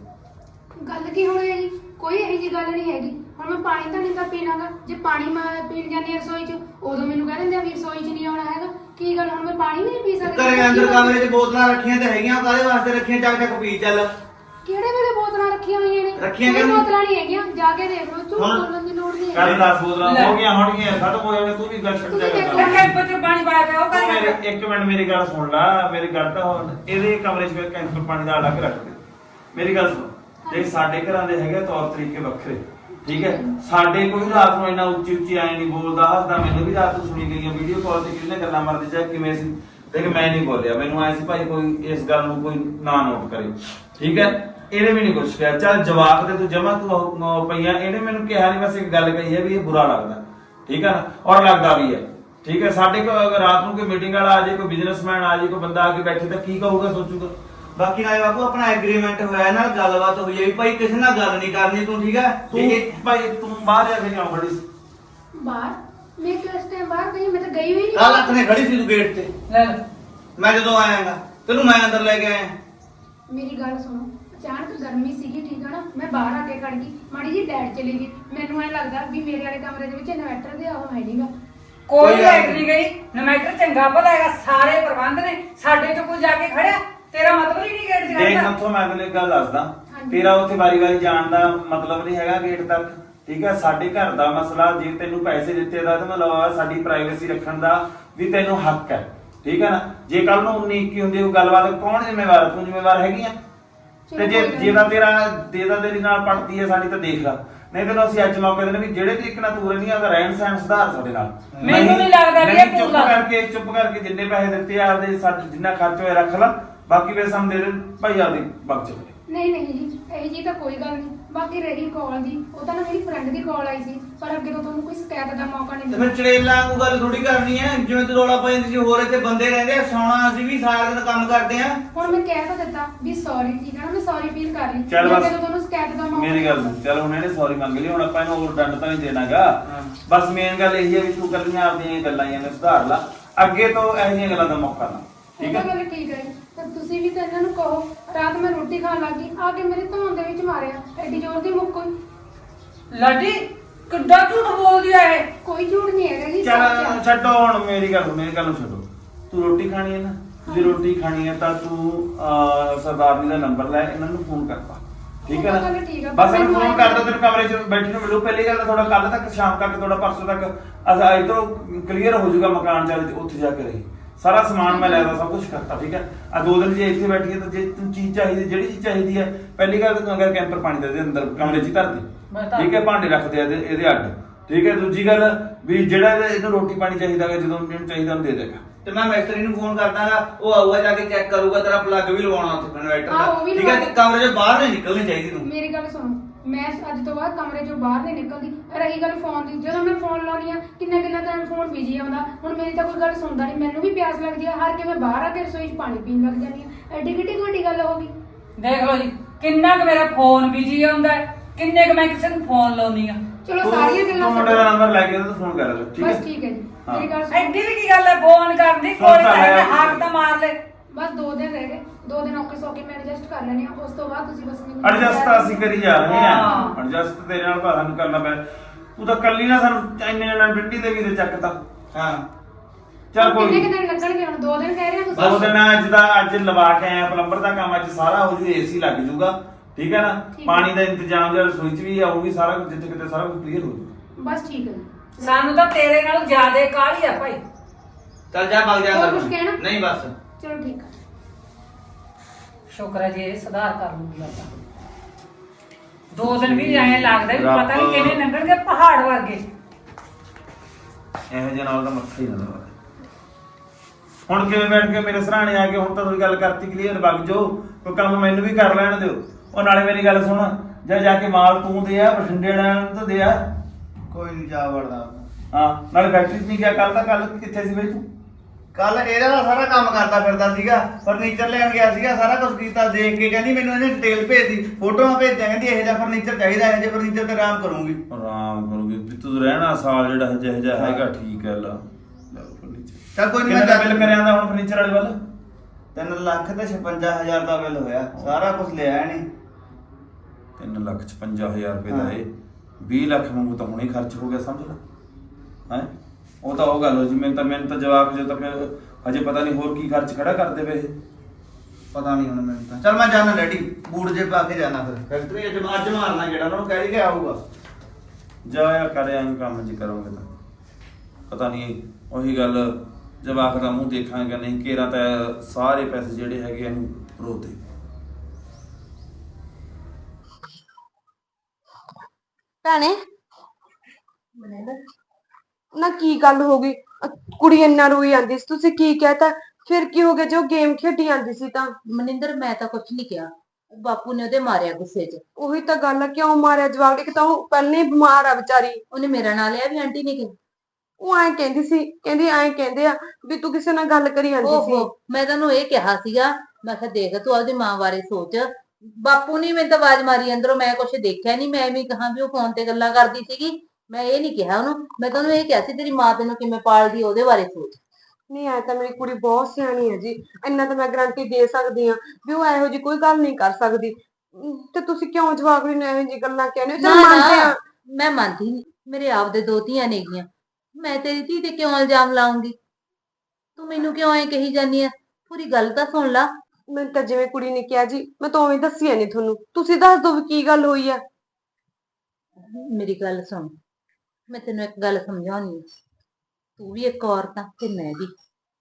ਗੱਲ ਕੀ ਹੋਣੀ ਹੈ ਜੀ? ਕੋਈ ਇਹੋ ਜਿਹੀ ਗੱਲ ਨਹੀਂ ਹੈਗੀ। ਹੁਣ ਮੈਂ ਪਾਣੀ ਤਾਂ ਨਹੀਂ ਤਾਂ ਪੀਣਾਗਾ, ਜੇ ਪਾਣੀ ਮੈਂ ਪੀਣ ਜਾਂਦੀ ਹਾਂ ਰਸੋਈ 'ਚ, ਉਦੋਂ ਮੈਨੂੰ ਕਹਿ ਦਿੰਦੇ ਆ ਵੀ ਰਸੋਈ 'ਚ ਨਹੀਂ ਆਉਣਾ ਹੈਗਾ। ਕੀ ਗੱਲ, ਹੁਣ ਮੈਂ ਪਾਣੀ ਵੀ ਨਹੀਂ ਪੀ ਸਕਦੀ?
ਘਰੇ ਅੰਦਰ ਕਮਰੇ 'ਚ ਬੋਤਲਾਂ ਰੱਖੀਆਂ ਤੇ ਹੈਗੀਆਂ, ਕਾਹਦੇ ਵਾਸਤੇ ਰੱਖੀਆਂ? ਚੱਕ ਚੱਕ ਪੀ ਚੱਲ।
ਕਿਹੜੇ ਵੇਲੇ ਬੋਤਲਾਂ ਰੱਖੀਆਂ ਹੋਈਆਂ ਨੇ?
ਰੱਖੀਆਂ
ਕੋਈ
ਕਿਉਂ?
ਬੋਤਲਾਂ ਨਹੀਂ ਹੈਗੀਆਂ, ਜਾ ਕੇ ਦੇਖ ਲਓ, ਝੂਠ
ਹੁਣ?
ਬੋਲਣ ਦੀ ਲੋੜ ਨਹੀਂ
ਕੱਲ
ਹੈਗੀ।
ਦਸ ਬੋਤਲਾਂ ਹੋ ਗਈਆਂ, ਹੋਣਗੀਆਂ ਖਤਮ ਹੋ ਜਾਣਗੀਆਂ, ਤੂੰ ਵੀ ਗੱਲ ਛੱਡ ਜਾ
ਤੁਸੀਂ
ਕਰ।
ਦੇਖੋ।
ਰੱਖੇ ਬੱਚੇ ਪਾਣੀ ਪਾਇਆ ਪਿਆ, ਉਹ
ਤੂੰ
ਕਰੇ
ਮੇਰੇ ਇੱਕ ਮਿੰਟ ਮੇਰੀ ਗੱਲ ਸੁਣ ਲੈ, ਮੇਰੀ ਗੱਲ ਤਾਂ ਹੁਣ ਇਹਦੇ ਕਮਰੇ 'ਚ ਫਿਰ ਕੈਂਸਰ ਪਾਣੀ ਦਾ ਅਲੱਗ ਰੱਖ ਦੇ। ਮੇਰੀ ਗੱਲ ਸੁਣ, ਦੇਖ ਸਾਡੇ ਘਰਾਂ ਦੇ ਹੈਗੇ ਤੌਰ ਤਰੀਕੇ ਵੱਖਰੇ, ਠੀਕ ਹੈ? ਸਾਡੇ ਕੋਈ ਰਾਤ ਨੂੰ ਇੰਨਾ ਉੱਚੀ ਉੱਚੀ ਐ ਨਹੀਂ ਬੋਲਦਾ ਹੱਸਦਾ। ਮੈਨੂੰ ਵੀ ਰਾਤ ਨੂੰ ਸੁਣੀ ਗਈਆਂ ਵੀਡੀਓ ਕਾਲ ਤੇ ਕਿਹਨੇ ਗੱਲਾਂ ਮਾਰਦੇ ਚਾਹੇ ਕਿਵੇਂ ਸੀ, ਦੇਖ ਮੈਂ ਨਹੀਂ ਬੋਲਿਆ, ਮੈਨੂੰ ਐ ਸੀ ਭਾਈ ਕੋਈ ਇਸ ਗੱਲ ਨੂੰ ਕੋਈ ਨਾ ਨੋਟ ਕਰੇ, ਠੀਕ ਹੈ? ਇਹਨੇ ਵੀ ਨਹੀਂ ਕੁਛ ਕਿਹਾ। ਚੱਲ ਜਵਾਬ ਦੇ ਤੂੰ ਜਮਾ ਤੂੰ ਪਈਆਂ, ਇਹਨੇ ਮੈਨੂੰ ਕਿਹਾ ਨਹੀਂ, ਬਸ ਇੱਕ ਗੱਲ ਕਹੀ ਹੈ ਵੀ ਇਹ ਬੁਰਾ ਲੱਗਦਾ, ਠੀਕ ਹੈ ਨਾ? ਔਰ ਲੱਗਦਾ ਵੀ ਹੈ, ਠੀਕ ਹੈ? ਸਾਡੇ ਕੋਲ ਰਾਤ ਨੂੰ ਕੋਈ ਮੀਟਿੰਗ ਵਾਲਾ ਆ ਜਾਏ, ਕੋਈ ਬਿਜ਼ਨਸਮੈਨ ਆ ਜਾਏ, ਕੋਈ ਬੰਦਾ ਆ ਕੇ ਬੈਠੇ ਤਾਂ ਕੀ ਕਹੂਗਾ, ਸੋਚੂਗਾ।
ਬਾਕੀ ਨਾਲੇ ਬਾਪੂ ਆਪਣਾ ਐਗਰੀਮੈਂਟ ਹੋਇਆ ਇਹਨਾਂ ਨਾਲ, ਗੱਲਬਾਤ ਹੋਈ ਹੈ ਵੀ ਭਾਈ ਕਿਸੇ ਨਾਲ ਗੱਲ ਨਹੀਂ ਕਰਨੀ ਤੂੰ, ਠੀਕ ਹੈ?
ਤੂੰ ਭਾਈ ਤੂੰ ਬਾਹਰ ਆ ਕੇ ਕਿਉਂ ਖੜੀ ਸੀ?
ਬਾਹਰ ਮੈਂ ਕਿਸ ਟਾਈਮ ਬਾਹਰ ਗਈ? ਮੈਂ ਤਾਂ ਗਈ ਹੋਈ ਨਹੀਂ।
ਕੱਲ ਅੱਖਨੇ ਖੜੀ ਸੀ ਤੂੰ ਗੇਟ ਤੇ,
ਲੈ ਲੈ।
ਮੈਂ ਜਦੋਂ ਆਇਆਗਾ ਤੈਨੂੰ ਮੈਂ ਅੰਦਰ ਲੈ ਕੇ ਆਇਆ।
ਮੇਰੀ ਗੱਲ ਸੁਣੋ, ਅਚਾਨਕ ਗਰਮੀ ਸੀਗੀ, ਠੀਕ ਹੈ ਨਾ? ਮੈਂ ਬਾਹਰ ਆ ਕੇ ਖੜ ਗਈ, ਮਾੜੀ ਜੀ ਲਾਈਟ ਚਲੀ ਗਈ, ਮੈਨੂੰ ਐ ਲੱਗਦਾ ਵੀ ਮੇਰੇ ਵਾਲੇ ਕਮਰੇ ਦੇ ਵਿੱਚ ਇਨਵਰਟਰ ਦੇ ਉਹ ਹੈ ਨਹੀਂਗਾ।
ਕੋਈ
ਕੋਈ
ਲਾਈਟ ਨਹੀਂ ਗਈ, ਇਨਵਰਟਰ ਚੰਗਾ ਭਲਾ ਹੈਗਾ, ਸਾਰੇ ਪ੍ਰਬੰਧ ਨੇ, ਸਾਡੇ ਚ ਕੋਈ ਜਾ ਕੇ ਖੜਿਆ, ਤੇਰਾ ਮਤਲਬ ਹੀ ਨਹੀਂ ਗੇਟ
ਦੇਖ
ਜਗਾਉਣ ਦਾ।
ਮੱਥੋਂ ਮੈਂ ਤੈਨੂੰ ਇੱਕ ਗੱਲ ਦੱਸਦਾ,
ਹਾਂਜੀ।
ਤੇਰਾ ਉੱਥੇ ਵਾਰੀ ਵਾਰੀ ਜਾਣ ਦਾ ਮਤਲਬ ਨਹੀਂ ਹੈਗਾ ਗੇਟ ਤੱਕ, ਠੀਕ ਹੈ? ਸਾਡੇ ਘਰ ਦਾ ਮਸਲਾ, ਜੇ ਤੈਨੂੰ ਪੈਸੇ ਦਿੱਤੇ ਦਾ ਤਾਂ ਮਤਲਬ ਸਾਡੀ ਪ੍ਰਾਈਵੇਸੀ ਰੱਖਣ ਦਾ ਵੀ ਤੈਨੂੰ ਹੱਕ ਹੈ, ਠੀਕ ਹੈ ਨਾ? ਜੇ ਕੱਲ ਨੂੰ ਉਨੀ ਇੱਕੀ ਹੁੰਦੀ ਕੋਈ ਗੱਲਬਾਤ, ਕੌਣ ਜ਼ਿੰਮੇਵਾਰ? ਤੂੰ ਜ਼ਿੰਮੇਵਾਰ ਹੈਗੀ ਆ। ਤੇ ਜੇ ਜੇ ਤਾਂ ਤੇਰਾ ਦੇਦਾ ਤੇਰੀ ਨਾਲ ਪੜਦੀ ਹੈ ਸਾਡੀ, ਤਾਂ ਦੇਖ ਲੈ, ਨਹੀਂ ਤੈਨੂੰ ਅਸੀਂ ਅੱਜ ਮੌਕੇ ਦੇਣੇ ਵੀ ਜਿਹੜੇ ਤਰੀਕੇ ਨਾਲ ਤੂੰ ਰਹਿੰਦੀ ਆ, ਉਹਦਾ ਰਹਿਣ ਸਹਿਣ ਸੁਧਾਰ ਸਾਡੇ ਨਾਲ।
ਮੈਨੂੰ ਨਹੀਂ ਲੱਗਦਾ ਵੀ ਇਹ
ਨਹੀਂ,
ਤੂੰ
ਚੁੱਪ
ਲੱਗ-
ਕਰਕੇ ਚੁੱਪ ਕਰਕੇ ਜਿੰਨੇ ਪੈਸੇ ਦਿੱਤੇ ਆ ਆਪਦੇ ਸਾਡੇ ਜਿੰਨਾ ਖਰਚ ਹੋਇਆ ਰੱਖ ਲੈ, ਬਾਕੀ ਪੈਸੇ ਹਮ ਦੇ ਦੇ ਭਾਈ ਆਪਦੀ ਬਖ ਚ।
ਨਹੀਂ ਨਹੀਂ ਜੀ, ਇਹ ਜੀ ਤਾਂ ਕੋਈ ਗੱਲ ਨਹੀਂ। ਬਾਕੀ ਰਹੀ ਕਾਲ ਦੀ, ਉਹ ਤਾਂ ਨਾ ਮੇਰੀ ਫਰੈਂਡ ਦੀ ਕਾਲ ਆਈ ਸੀ, ਪਰ ਅੱਗੇ ਤੋਂ ਤੁਹਾਨੂੰ ਕੋਈ ਸ਼ਿਕਾਇਤ ਦਾ ਮੌਕਾ ਨਹੀਂ
ਤੇ
ਮਿਲਿਆ।
ਫਿਰ ਚੜੇਲਾਂ ਨੂੰ ਗੱਲ ਥੋੜੀ ਕਰਨੀ ਹੈ, ਜਿਵੇਂ ਤੂੰ ਰੌਲਾ ਪਾਈ ਜਾਂਦੀ ਸੀ, ਹੋਰ ਇੱਥੇ ਬੰਦੇ ਰਹਿੰਦੇ ਆ, ਸੌਣਾ ਅਸੀਂ ਵੀ ਸਾਰਾ ਦਿਨ ਕੰਮ ਕਰਦੇ ਆ।
ਹੁਣ ਮੈਂ ਕਹਿ ਤਾਂ ਦਿੱਤਾ ਵੀ ਸੌਰੀ, ਠੀਕ ਹੈ ਨਾ? ਮੈਂ ਸੌਰੀ ਫੀਲ ਕਰ ਲਈ,
ਚੱਲ
ਅੱਗੇ
ਬਸ।
ਤੋਂ ਤੁਹਾਨੂੰ ਸ਼ਿਕਾਇਤ ਦਾ ਮੌਕਾ
ਮੇਰੀ ਗੱਲ ਸੁਣ, ਚੱਲ ਹੁਣ ਇਹਨੇ ਸੌਰੀ ਮੰਗ ਲਈ, ਹੁਣ ਆਪਾਂ ਇਹਨੂੰ ਹੋਰ ਦੰਡ ਤਾਂ ਨਹੀਂ ਦੇਣਾਗਾ। ਬਸ ਮੇਨ ਗੱਲ ਇਹ ਹੈ ਵੀ ਤੂੰ ਕੱਲੀਆਂ ਆਪਦੀਆਂ ਗੱਲਾਂ ਹੀ ਐਵੇਂ ਸੁਧਾਰ ਲਾ, ਅੱਗੇ ਤੋਂ ਇਹੋ ਜਿਹੀਆਂ ਗੱਲਾਂ ਦਾ ਮੌਕਾ ਨਾ,
ਇਹ
ਠੀਕ
ਤਾਂ
ਹੈ?
ਗੱਲ ਠੀਕ ਹੈ, ਪਰ ਤੁਸੀਂ ਵੀ ਤਾਂ ਇਹਨਾਂ ਨੂੰ ਕਹੋ। ਰਾਤ ਮੈਂ ਰੋਟੀ ਖਾਣ ਲੱਗੀ, ਆ ਕੇ ਮੇਰੇ ਧੌਣ ਦੇ ਵਿੱਚ ਮਾਰਿਆ, ਐਡੀ ਜ਼ੋਰ ਦੀ ਮੁੱਕ ਹੋਈ।
ਲਾਡੀ ਕਿੱਦਾਂ ਝੂਠ ਬੋਲਦੀ ਆ ਇਹ?
ਕੋਈ ਝੂਠ ਨਹੀਂ ਹੈਗਾ ਜੀ, ਸੱਚ
ਚੱਲ
ਆ।
ਛੱਡੋ ਹੁਣ ਮੇਰੀ ਗੱਲ ਮੇਰੀ ਗੱਲ ਨੂੰ ਛੱਡੋ। ਤੂੰ ਰੋਟੀ ਖਾਣੀ ਹੈ ਨਾ, ਜੇ ਰੋਟੀ ਖਾਣੀ ਹੈ ਤਾਂ ਤੂੰ ਅਹ, ਸਰਦਾਰਨੀ ਦਾ ਨੰਬਰ ਲੈ, ਇਹਨਾਂ ਨੂੰ ਫੋਨ ਕਰ ਪਾ, ਠੀਕ ਹੈ
ਉਹ ਤਾਂ
ਨਾ?
ਗੱਲ ਠੀਕ ਆ,
ਬਸ
ਪਰ
ਇਹਨੂੰ
ਮੈਨੂੰ
ਫੋਨ ਕਰ ਦੋ, ਤੈਨੂੰ ਕਮਰੇ 'ਚ ਬੈਠੀ ਨੂੰ ਮਿਲੂ। ਪਹਿਲੀ ਗੱਲ ਤਾਂ ਥੋੜਾ ਕੱਲ ਤੱਕ ਸ਼ਾਮ ਤੱਕ ਥੋੜਾ ਪਰਸੋਂ ਤੱਕ ਅਸਾਂ ਇਧਰੋਂ ਕਲੀਅਰ ਹੋ ਜਾਊਗਾ ਮਕਾਨ ਚੱਲ ਉੱਥੇ ਜਾ ਕੇ ਰਹੀ। ਸਾਰਾ ਸਮਾਨ ਮੈਂ ਲੈਦਾ, ਸਭ ਕੁਝ ਕਰਤਾ, ਠੀਕ ਹੈ? ਆ ਦੋ ਦਿਨ ਜੇ ਇੱਥੇ ਬੈਠੀ ਹੈ ਤਾਂ ਜੇ ਤੈਨੂੰ ਚੀਜ਼ ਚਾਹੀਦੀ, ਜਿਹੜੀ ਚੀਜ਼ ਚਾਹੀਦੀ ਹੈ, ਪਹਿਲੀ ਗੱਲ ਤਾਂ ਤੂੰ ਅਗਰ ਕੈਂਪਰ ਪਾਣੀ ਦੇ ਅੰਦਰ ਕਮਰੇ 'ਚ ਹੀ ਧਰ
ਮੈਂ
ਦੇ,
ਧਰ
ਠੀਕ ਹੈ? ਭਾਂਡੇ ਰੱਖਦੇ ਆ ਇਹਦੇ ਇਹਦੇ ਅੱਡ, ਠੀਕ ਹੈ? ਦੂਜੀ ਗੱਲ ਵੀ ਜਿਹੜਾ ਇਹਦੇ- ਇਹਨੂੰ ਰੋਟੀ ਪਾਣੀ ਚਾਹੀਦਾ ਗਾ, ਜਦੋਂ ਇਹਨੂੰ ਚਾਹੀਦਾ ਉਹਨੂੰ ਦੇ ਦੇਗਾ।
ਤੇ ਮੈਂ ਮਿਸਤਰੀ ਨੂੰ ਫੋਨ ਕਰ ਦਾਂਗਾ, ਉਹ ਆਊਗਾ ਜਾ ਕੇ ਚੈੱਕ ਕਰੂਗਾ, ਤੇਰਾ ਪਲੱਗ ਵੀ ਲਵਾਉਣਾ ਉੱਥੇ ਇਨਵਰਟਰ
ਹਾਂ,
ਦਾ,
ਉਹ ਵੀ
ਠੀਕ ਹੈ?
ਲਵਾ
ਤੇ ਕਮਰੇ ਦੇ ਬਾਹਰ ਨਹੀਂ ਨਿਕਲਣੀ ਚਾਹੀਦੀ ਤੂੰ।
ਮੇਰੀ ਗੱਲ ਸੁਣੋ, ਮੈਂ ਅੱਜ ਤੋਂ ਬਾਅਦ ਕਮਰੇ ਚੋਂ ਬਾਹਰ ਨਹੀਂ ਨਿਕਲਦੀ। ਰਹੀ ਗੱਲ ਫੋਨ ਦੀ, ਜਦੋਂ ਮੈਂ ਫੋਨ ਲਾਉਣੀ ਆ ਕਿੰਨਾ ਕਿੰਨਾ ਟਾਈਮ ਫੋਨ ਬਿਜੀ ਆਉਂਦਾ। ਹੁਣ ਮੇਰੀ ਤਾਂ ਕੋਈ ਗੱਲ ਸੁਣਦਾ ਨਹੀਂ, ਮੈਨੂੰ ਵੀ ਪਿਆਸ ਲੱਗਦੀ ਆ, ਹਾਰ ਕੇ ਮੈਂ ਬਾਹਰ ਆ ਕੇ ਰਸੋਈ 'ਚ ਪਾਣੀ ਪੀਣ ਲੱਗ ਜਾਂਦੀ ਆ। ਐਡੀ ਕਿੱਡੀ ਵੱਡੀ ਗੱਲ ਹੋ ਗਈ।
ਦੇਖ ਲਓ ਜੀ ਕਿੰਨਾ ਕੁ ਮੇਰਾ ਫੋਨ ਬਿਜੀ ਆਉਂਦਾ ਹੈ, ਕਿੰਨੇ ਕੁ ਮੈਂ ਕਿਸੇ ਨੂੰ ਫੋਨ ਲਾਉਣੀ ਆ।
ਚਲੋ
ਤੂੰ
ਸਾਰੀਆਂ ਗੱਲਾਂ
ਤੂੰ ਮੁੰਡੇ ਦਾ ਨੰਬਰ ਲੈ ਕੇ ਤੇ ਫੋਨ ਕਰ ਲੈ, ਠੀਕ ਹੈ?
ਬਸ ਠੀਕ ਹੈ ਜੀ,
ਹਾਂ।
ਮੇਰੀ ਗੱਲ ਸੁਣੋ।
ਐਡੀ ਵੀ ਕੀ ਗੱਲ ਹੈ ਫੋਨ ਕਰਨੀ,
ਸੁਣ
ਕੋਈ
ਤਾਂ
ਤਾਂ
ਲਿਆ।
ਹਾਕ ਤਾਂ ਮਾਰ ਲੈ।
ਬਸ ਦੋ ਦਿਨ ਰਹਿ ਗਏ, ਦੋ ਦਿਨ ਔਖੇ ਸੌਖੇ ਮੈਂ ਐਡਜਸਟ ਕਰ ਲੈਣੀ ਆ। ਉਸ ਤੋਂ ਬਾਅਦ ਤੁਸੀਂ ਬਸ ਮੈਨੂੰ
ਐਡਜਸਟ ਤਾਂ ਅਸੀਂ ਕਰੀ ਜਾ ਰਹੇ ਹਾਂ,
ਹਾਂ।
ਐਡਜਸਟ ਤੇਰੇ ਨਾਲ ਭਾਵੇਂ ਨੂੰ ਕਰਨਾ ਪੈ। ਤੂੰ ਤਾਂ ਕੱਲੀ ਨਾ ਸਾਨੂੰ ਇੰਨੇ ਜਣਾ ਬਿੰਡੀ ਦੇ ਵੀ ਤੇ ਚੱਕਤਾ।
ਹਾਂ
ਚੱਲ ਕੋਈ
ਕਿੰਨੇ
ਨੀ।
ਕੁ ਦਿਨ ਲੱਗਣਗੇ? ਹੁਣ ਦੋ ਦਿਨ ਕਹਿ ਰਹੇ ਹੋ
ਦੋ
ਤੁਸੀਂ।
ਦਿਨ ਅੱਜ ਦਾ ਅੱਜ ਲਵਾ ਕੇ ਆਇਆ ਪਲੰਬਰ ਦਾ ਕੰਮ, ਅੱਜ ਸਾਰਾ ਹੋ ਜੂ, ਏਸੀ ਲੱਗ ਜੂਗਾ, ਠੀਕ ਹੈ ਨਾ?
ਠੀਕ ਹੈ।
ਪਾਣੀ ਦਾ ਇੰਤਜ਼ਾਮ ਜਦ ਰਸੋਈ 'ਚ ਵੀ ਆਊਗੀ, ਸਾਰਾ ਕੁਝ ਜਿੱਥੇ ਕਿਤੇ ਸਾਰਾ ਕੁਝ ਕਲੀਅਰ ਹੋ ਜੂ।
ਬਸ ਠੀਕ ਹੈ ਜੀ।
ਸਾਨੂੰ ਤਾਂ ਤੇਰੇ ਨਾਲ ਜ਼ਿਆਦਾ ਕਾਹਲੀ ਆ ਭਾਈ।
ਚੱਲ ਜਾ ਭਗ ਜਾ
ਹੋਰ
ਅੰਦਰ
ਕੁਛ
ਨੂੰ।
ਕਹਿਣਾ?
ਨਹੀਂ ਬਸ
ਚਲੋ ਠੀਕ ਆ।
ਸ਼ੁਕਰ ਹੈ ਜੀ ਇਹ ਸੁਧਾਰ ਕਰ ਲੂੰਗੀ ਆਪਾਂ। ਦੋ ਦਿਨ ਵੀ ਐਂ ਲੱਗਦਾ ਵੀ ਪਤਾ ਨਹੀਂ ਕਿਵੇਂ ਲੰਘਣਗੇ ਪਹਾੜ ਵਰਗੇ।
ਇਹੋ ਜਿਹੇ ਨਾਲ ਤਾਂ ਮੱਥਾ ਹੀ ਨਾ ਲਵਾ। ਹੁਣ ਕਿਵੇਂ ਬੈਠ ਕੇ ਮੇਰੇ ਸਰਾਣੇ ਆ ਕੇ ਹੁਣ ਤਾਂ ਤੁਸੀਂ ਗੱਲ ਕਰਤੀ ਕਲੀਅਰ, ਵਗ ਜਾਓ, ਕੋਈ ਕੰਮ ਮੈਨੂੰ ਵੀ ਕਰ ਲੈਣ ਦਿਓ। ਉਹ ਨਾਲੇ ਮੇਰੀ ਗੱਲ ਸੁਣ, ਜਾ ਜਾ ਕੇ ਮਾਲ ਤੂੰ ਦੇ ਆ, ਬਠਿੰਡੇ ਵਾਲਿਆਂ ਨੂੰ ਤਾਂ ਦੇ ਆ।
ਕੋਈ ਨਹੀਂ ਜਾ ਵੜਦਾ।
ਹਾਂ, ਨਾਲੇ ਫੈਕਟਰੀ 'ਚ ਨਹੀਂ ਗਿਆ ਕੱਲ ਤਾਂ, ਕੱਲ ਕਿੱਥੇ ਸੀ ਬਈ ਤੂੰ?
ਕੱਲ ਇਹਦਾ ਤਾਂ ਸਾਰਾ ਕੰਮ ਕਰਦਾ ਫਿਰਦਾ ਸੀਗਾ, ਫਰਨੀਚਰ ਲੈਣ ਗਿਆ ਸੀਗਾ, ਸਾਰਾ ਕੁਝ ਕੀਤਾ। ਦੇਖ ਕੇ ਕਹਿੰਦੀ ਮੈਨੂੰ ਇਹਨੇ ਡਿਟੇਲ ਭੇਜਦੀ, ਫੋਟੋਆਂ ਭੇਜਿਆ, ਕਹਿੰਦੀ ਇਹੋ ਜਿਹਾ ਫਰਨੀਚਰ ਚਾਹੀਦਾ, ਇਹੋ ਜਿਹੇ ਫਰਨੀਚਰ ਤੇ ਆਰਾਮ ਕਰੂੰਗੀ।
ਆਰਾਮ ਕਰੂਗੀ ਵੀ ਤੂੰ ਰਹਿਣਾ ਸਾਲ ਜਿਹੜਾ ਜਿਹੋ ਜਿਹਾ ਹੈਗਾ, ਠੀਕ ਹੈ। ਲਾ ਲੈ ਫਰਨੀਚਰ।
ਚੱਲ ਕੋਈ ਨਹੀਂ,
ਕਿੰਨਾ
ਮੈਂ
ਬਿੱਲ ਕਰਿਆ ਦਾ ਹੁਣ ਫਰਨੀਚਰ ਵਾਲੇ ਵੱਲ?
ਤਿੰਨ ਲੱਖ ਤੇ ਛਪੰਜਾ ਹਜ਼ਾਰ ਦਾ ਬਿੱਲ ਹੋਇਆ, ਸਾਰਾ ਕੁਝ ਲਿਆ ਨਹੀਂ।
ਤਿੰਨ ਲੱਖ ਛਪੰਜਾ ਹਜ਼ਾਰ ਰੁਪਏ ਦਾ ਇਹ ਵੀਹ ਲੱਖ ਵਾਂਗੂ ਤਾਂ ਹੁਣੇ ਖਰਚ ਹੋ ਗਿਆ, ਸਮਝ ਲੈ। ਹੈ ਉਹ ਤਾਂ ਉਹ ਗੱਲ ਹੋ ਜੀ, ਮੈਨੂੰ ਤਾਂ ਮੈਨੂੰ ਤਾਂ ਜਵਾਬ ਜੋ ਤੱਕ ਹਜੇ ਪਤਾ ਨਹੀਂ ਹੋਰ ਕੀ ਖਰਚ ਖੜਾ ਕਰਦੇ ਪਏ ਇਹ।
ਪਤਾ ਨਹੀਂ ਹੁਣ ਮੈਨੂੰ ਤਾਂ। ਚੱਲ ਮੈਂ ਜਾਣਾ ਡੈਡੀ, ਬੂਟ ਜੇ ਪਾ ਕੇ ਜਾਣਾ ਫਿਰ ਫੈਕਟਰੀ। ਅੱਜ ਅੱਜ ਮਾਰਨਾ ਜਿਹੜਾ ਉਹਨਾਂ ਨੂੰ ਕਹਿ ਕੇ ਆਊਗਾ।
ਜਾਇਆ ਕਰਿਆ ਕੰਮ ਜੀ ਕਰੋਗੇ ਤਾਂ ਪਤਾ ਨਹੀਂ ਉਹੀ ਗੱਲ, ਜਵਾਕ ਦਾ ਮੂੰਹ ਦੇਖਾਂਗੇ ਨਹੀਂ, ਕੇਰਾ ਤਾਂ ਸਾਰੇ ਪੈਸੇ ਜਿਹੜੇ ਹੈਗੇ ਇਹਨੂੰ ਰੋਤੇ।
ਭੈਣੇ ਨਾ ਕੀ ਗੱਲ ਹੋ ਗਈ? ਅ, ਕੁੜੀ ਇੰਨਾ ਰੋਈ ਜਾਂਦੀ ਸੀ, ਤੁਸੀਂ ਕੀ ਕਹਿਤਾ? ਫਿਰ ਕੀ ਹੋ ਗਿਆ ਜੋ ਗੇਮ ਖੇਡੀ ਜਾਂਦੀ ਸੀ ਤਾਂ?
ਮਨਿੰਦਰ ਮੈਂ ਤਾਂ ਕੁਝ ਨਹੀਂ ਕਿਹਾ, ਬਾਪੂ ਨੇ ਉਹਦੇ ਮਾਰਿਆ ਗੁੱਸੇ 'ਚ।
ਉਹੀ ਤਾਂ ਗੱਲ ਆ, ਕਿਉਂ ਮਾਰਿਆ ਜਵਾਕ? ਇੱਕ ਤਾਂ ਉਹ ਪਹਿਲਾਂ ਹੀ ਬਿਮਾਰ ਆ ਵਿਚਾਰੀ।
ਉਹਨੇ ਮੇਰਾ ਨਾਂ ਲਿਆ ਵੀ ਆਂਟੀ ਨੇ ਕਿਹਾ।
ਉਹ ਐਂ ਕਹਿੰਦੀ ਸੀ, ਕਹਿੰਦੀ ਐਂ ਕਹਿੰਦੇ ਆ ਵੀ ਤੂੰ ਕਿਸੇ ਨਾਲ ਗੱਲ ਕਰੀ ਜਾਂਦੀ ਸੀ।
ਓਹੋ ਮੈਂ ਤੈਨੂੰ ਇਹ ਕਿਹਾ ਸੀਗਾ, ਮੈਂ ਕਿਹਾ ਦੇਖ ਤੂੰ ਆਪਦੀ ਮਾਂ ਬਾਰੇ ਸੋਚ। ਬਾਪੂ ਨੇ ਮੈਨੂੰ ਤਾਂ ਆਵਾਜ਼ ਮਾਰੀ ਅੰਦਰੋਂ, ਮੈਂ ਕੁਛ ਦੇਖਿਆ ਨਹੀਂ, ਮੈਂ ਐਵੇਂ ਕਹਾਂ ਵੀ ਉਹ ਫੋਨ ਤੇ ਗੱਲਾਂ ਕਰਦੀ ਸੀਗੀ। ਮੈਂ ਇਹ ਨਹੀਂ ਕਿਹਾ ਉਹਨੂੰ, ਮੈਂ ਤੁਹਾਨੂੰ ਇਹ ਕਿਹਾ ਸੀ ਤੇਰੀ ਮਾਂ ਤੈਨੂੰ ਕਿਵੇਂ ਪਾਲਦੀ ਉਹਦੇ ਬਾਰੇ ਸੋਚ।
ਨਹੀਂ, ਐ ਤਾਂ ਮੇਰੀ ਕੁੜੀ ਬਹੁਤ ਸਿਆਣੀ ਹੈ ਜੀ, ਇੰਨਾ ਤਾਂ ਮੈਂ ਗਾਰੰਟੀ ਦੇ ਸਕਦੀ ਆ ਵੀ ਉਹ ਇਹੋ ਜੀ ਕੋਈ ਗੱਲ ਨਹੀਂ ਕਰ ਸਕਦੀ। ਅਮ, ਤੇ ਤੁਸੀਂ ਕਿਉਂ ਜਵਾਕ ਨੂੰ ਇਹੋ ਜੀ ਗੱਲਾਂ ਕਹਿੰਦੇ ਹੋ?
ਨਾ
ਚਲ ਮੰਨਦੇ ਆ।
ਨਾ ਮੈਂ ਮੰਨਦੀ ਨਹੀਂ, ਮੇਰੇ ਆਪਦੇ ਦੋ ਧੀਆਂ ਨੇਗੀਆਂ, ਮੈਂ ਤੇਰੀ ਧੀ ਤੇ ਕਿਉਂ ਇਲਜ਼ਾਮ ਲਾਉਂਗੀ? ਤੂੰ ਮੈਨੂੰ ਕਿਉਂ ਐ ਕਹੀ ਜਾਂਦੀ ਆ? ਪੂਰੀ ਗੱਲ ਤਾਂ ਸੁਣ ਲਾ।
ਮੈਨੂੰ ਤਾਂ ਜਿਵੇਂ ਕੁੜੀ ਨੇ ਕਿਹਾ ਜੀ, ਮੈਂ ਤਾਂ ਉਵੇਂ ਦੱਸਿਆ ਨਹੀਂ ਤੁਹਾਨੂੰ। ਤੁਸੀਂ ਦੱਸ ਦਿਓ ਵੀ ਕੀ ਗੱਲ ਹੋਈ ਆ।
ਮੇਰੀ ਗੱਲ ਸੁਣ, ਮੈਂ ਤੈਨੂੰ ਇੱਕ ਗੱਲ ਸਮਝਾਉਣੀ ਆ। ਤੂੰ ਵੀ ਇੱਕ ਔਰਤ ਆ ਤੇ ਮੈਂ ਵੀ।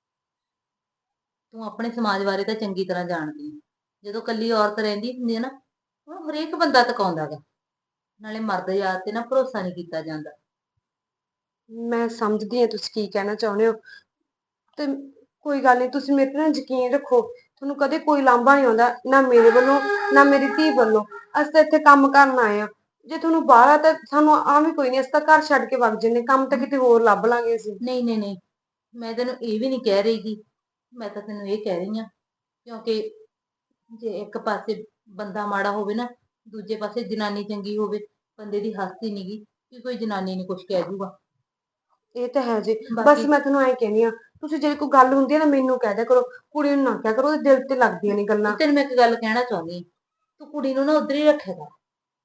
ਤੂੰ ਆਪਣੇ ਸਮਾਜ ਬਾਰੇ ਤਾਂ ਚੰਗੀ ਤਰ੍ਹਾਂ ਜਾਣਦੀ ਹੈ। ਜਦੋਂ ਕੱਲੀ ਔਰਤ ਰਹਿੰਦੀ ਹੁੰਦੀ ਹੈ ਨਾ, ਉਹਨੂੰ ਹਰੇਕ ਬੰਦਾ ਤਕਾਉਂਦਾ ਗਾ। ਨਾਲੇ ਮਰਦ ਯਾਰ ਤੇ ਨਾ ਭਰੋਸਾ ਨਹੀਂ ਕੀਤਾ ਜਾਂਦਾ।
ਮੈਂ ਸਮਝਦੀ ਹਾਂ ਤੁਸੀਂ ਕੀ ਕਹਿਣਾ ਚਾਹੁੰਦੇ ਹੋ, ਤੇ ਕੋਈ ਗੱਲ ਨਹੀਂ, ਤੁਸੀਂ ਮੇਰੇ ਤੇ ਨਾ ਯਕੀਨ ਰੱਖੋ। ਤੁਹਾਨੂੰ ਕਦੇ ਕੋਈ ਲਾਂਭਾ ਨਹੀਂ ਆਉਂਦਾ, ਨਾ ਮੇਰੇ ਵੱਲੋਂ ਨਾ ਮੇਰੀ ਧੀ ਵੱਲੋਂ। ਅਸੀਂ ਤਾਂ ਇੱਥੇ ਕੰਮ ਕਰਨ ਆਏ ਆ। ਜੇ ਤੁਹਾਨੂੰ ਬਾਹਰ ਆ ਤਾਂ ਸਾਨੂੰ ਆ ਵੀ ਕੋਈ ਨਹੀਂ, ਅਸੀਂ ਤਾਂ ਘਰ ਛੱਡ ਕੇ ਵਗ ਜੰਨੇ, ਕੰਮ ਤਾਂ ਕਿਤੇ ਹੋਰ ਲੱਭ ਲਾਂਗੇ ਅਸੀਂ।
ਨਹੀਂ ਨਹੀਂ ਨਹੀਂ, ਮੈਂ ਤੈਨੂੰ ਇਹ ਵੀ ਨਹੀਂ ਕਹਿ ਰਹੀ ਗੀ, ਮੈਂ ਤਾਂ ਤੈਨੂੰ ਇਹ ਕਹਿ ਰਹੀ ਆ ਕਿਉਂਕਿ ਜੇ ਇੱਕ ਪਾਸੇ ਬੰਦਾ ਮਾੜਾ ਹੋਵੇ ਨਾ, ਦੂਜੇ ਪਾਸੇ ਜਨਾਨੀ ਚੰਗੀ ਹੋਵੇ, ਬੰਦੇ ਦੀ ਹਸਤੀ ਨੀ ਗੀ ਕਿ ਕੋਈ ਜਨਾਨੀ ਨੇ ਕੁਝ ਕਹਿ ਦੂਗਾ।
ਇਹ ਤਾਂ ਹੈ ਜੀ। ਬਸ
ਬਾਕੀ
ਮੈਂ ਤੁਹਾਨੂੰ ਐਂ ਕਹਿੰਦੀ ਆ, ਤੁਸੀਂ ਜੇ ਕੋਈ ਗੱਲ ਹੁੰਦੀ ਹੈ ਨਾ ਮੈਨੂੰ ਕਹਿ ਦਿਆ ਕਰੋ, ਕੁੜੀ ਨੂੰ ਨਾ ਕਿਹਾ ਕਰੋ, ਉਹਦੇ ਦਿਲ ਤੇ ਲੱਗਦੀਆਂ ਨੇ ਗੱਲਾਂ।
ਤੈਨੂੰ ਮੈਂ ਇੱਕ ਗੱਲ ਕਹਿਣਾ ਚਾਹੁੰਦੀ ਹਾਂ, ਤੂੰ ਕੁੜੀ ਨੂੰ ਨਾ ਉਧਰ ਹੀ ਰੱਖਿਆ ਕਰ।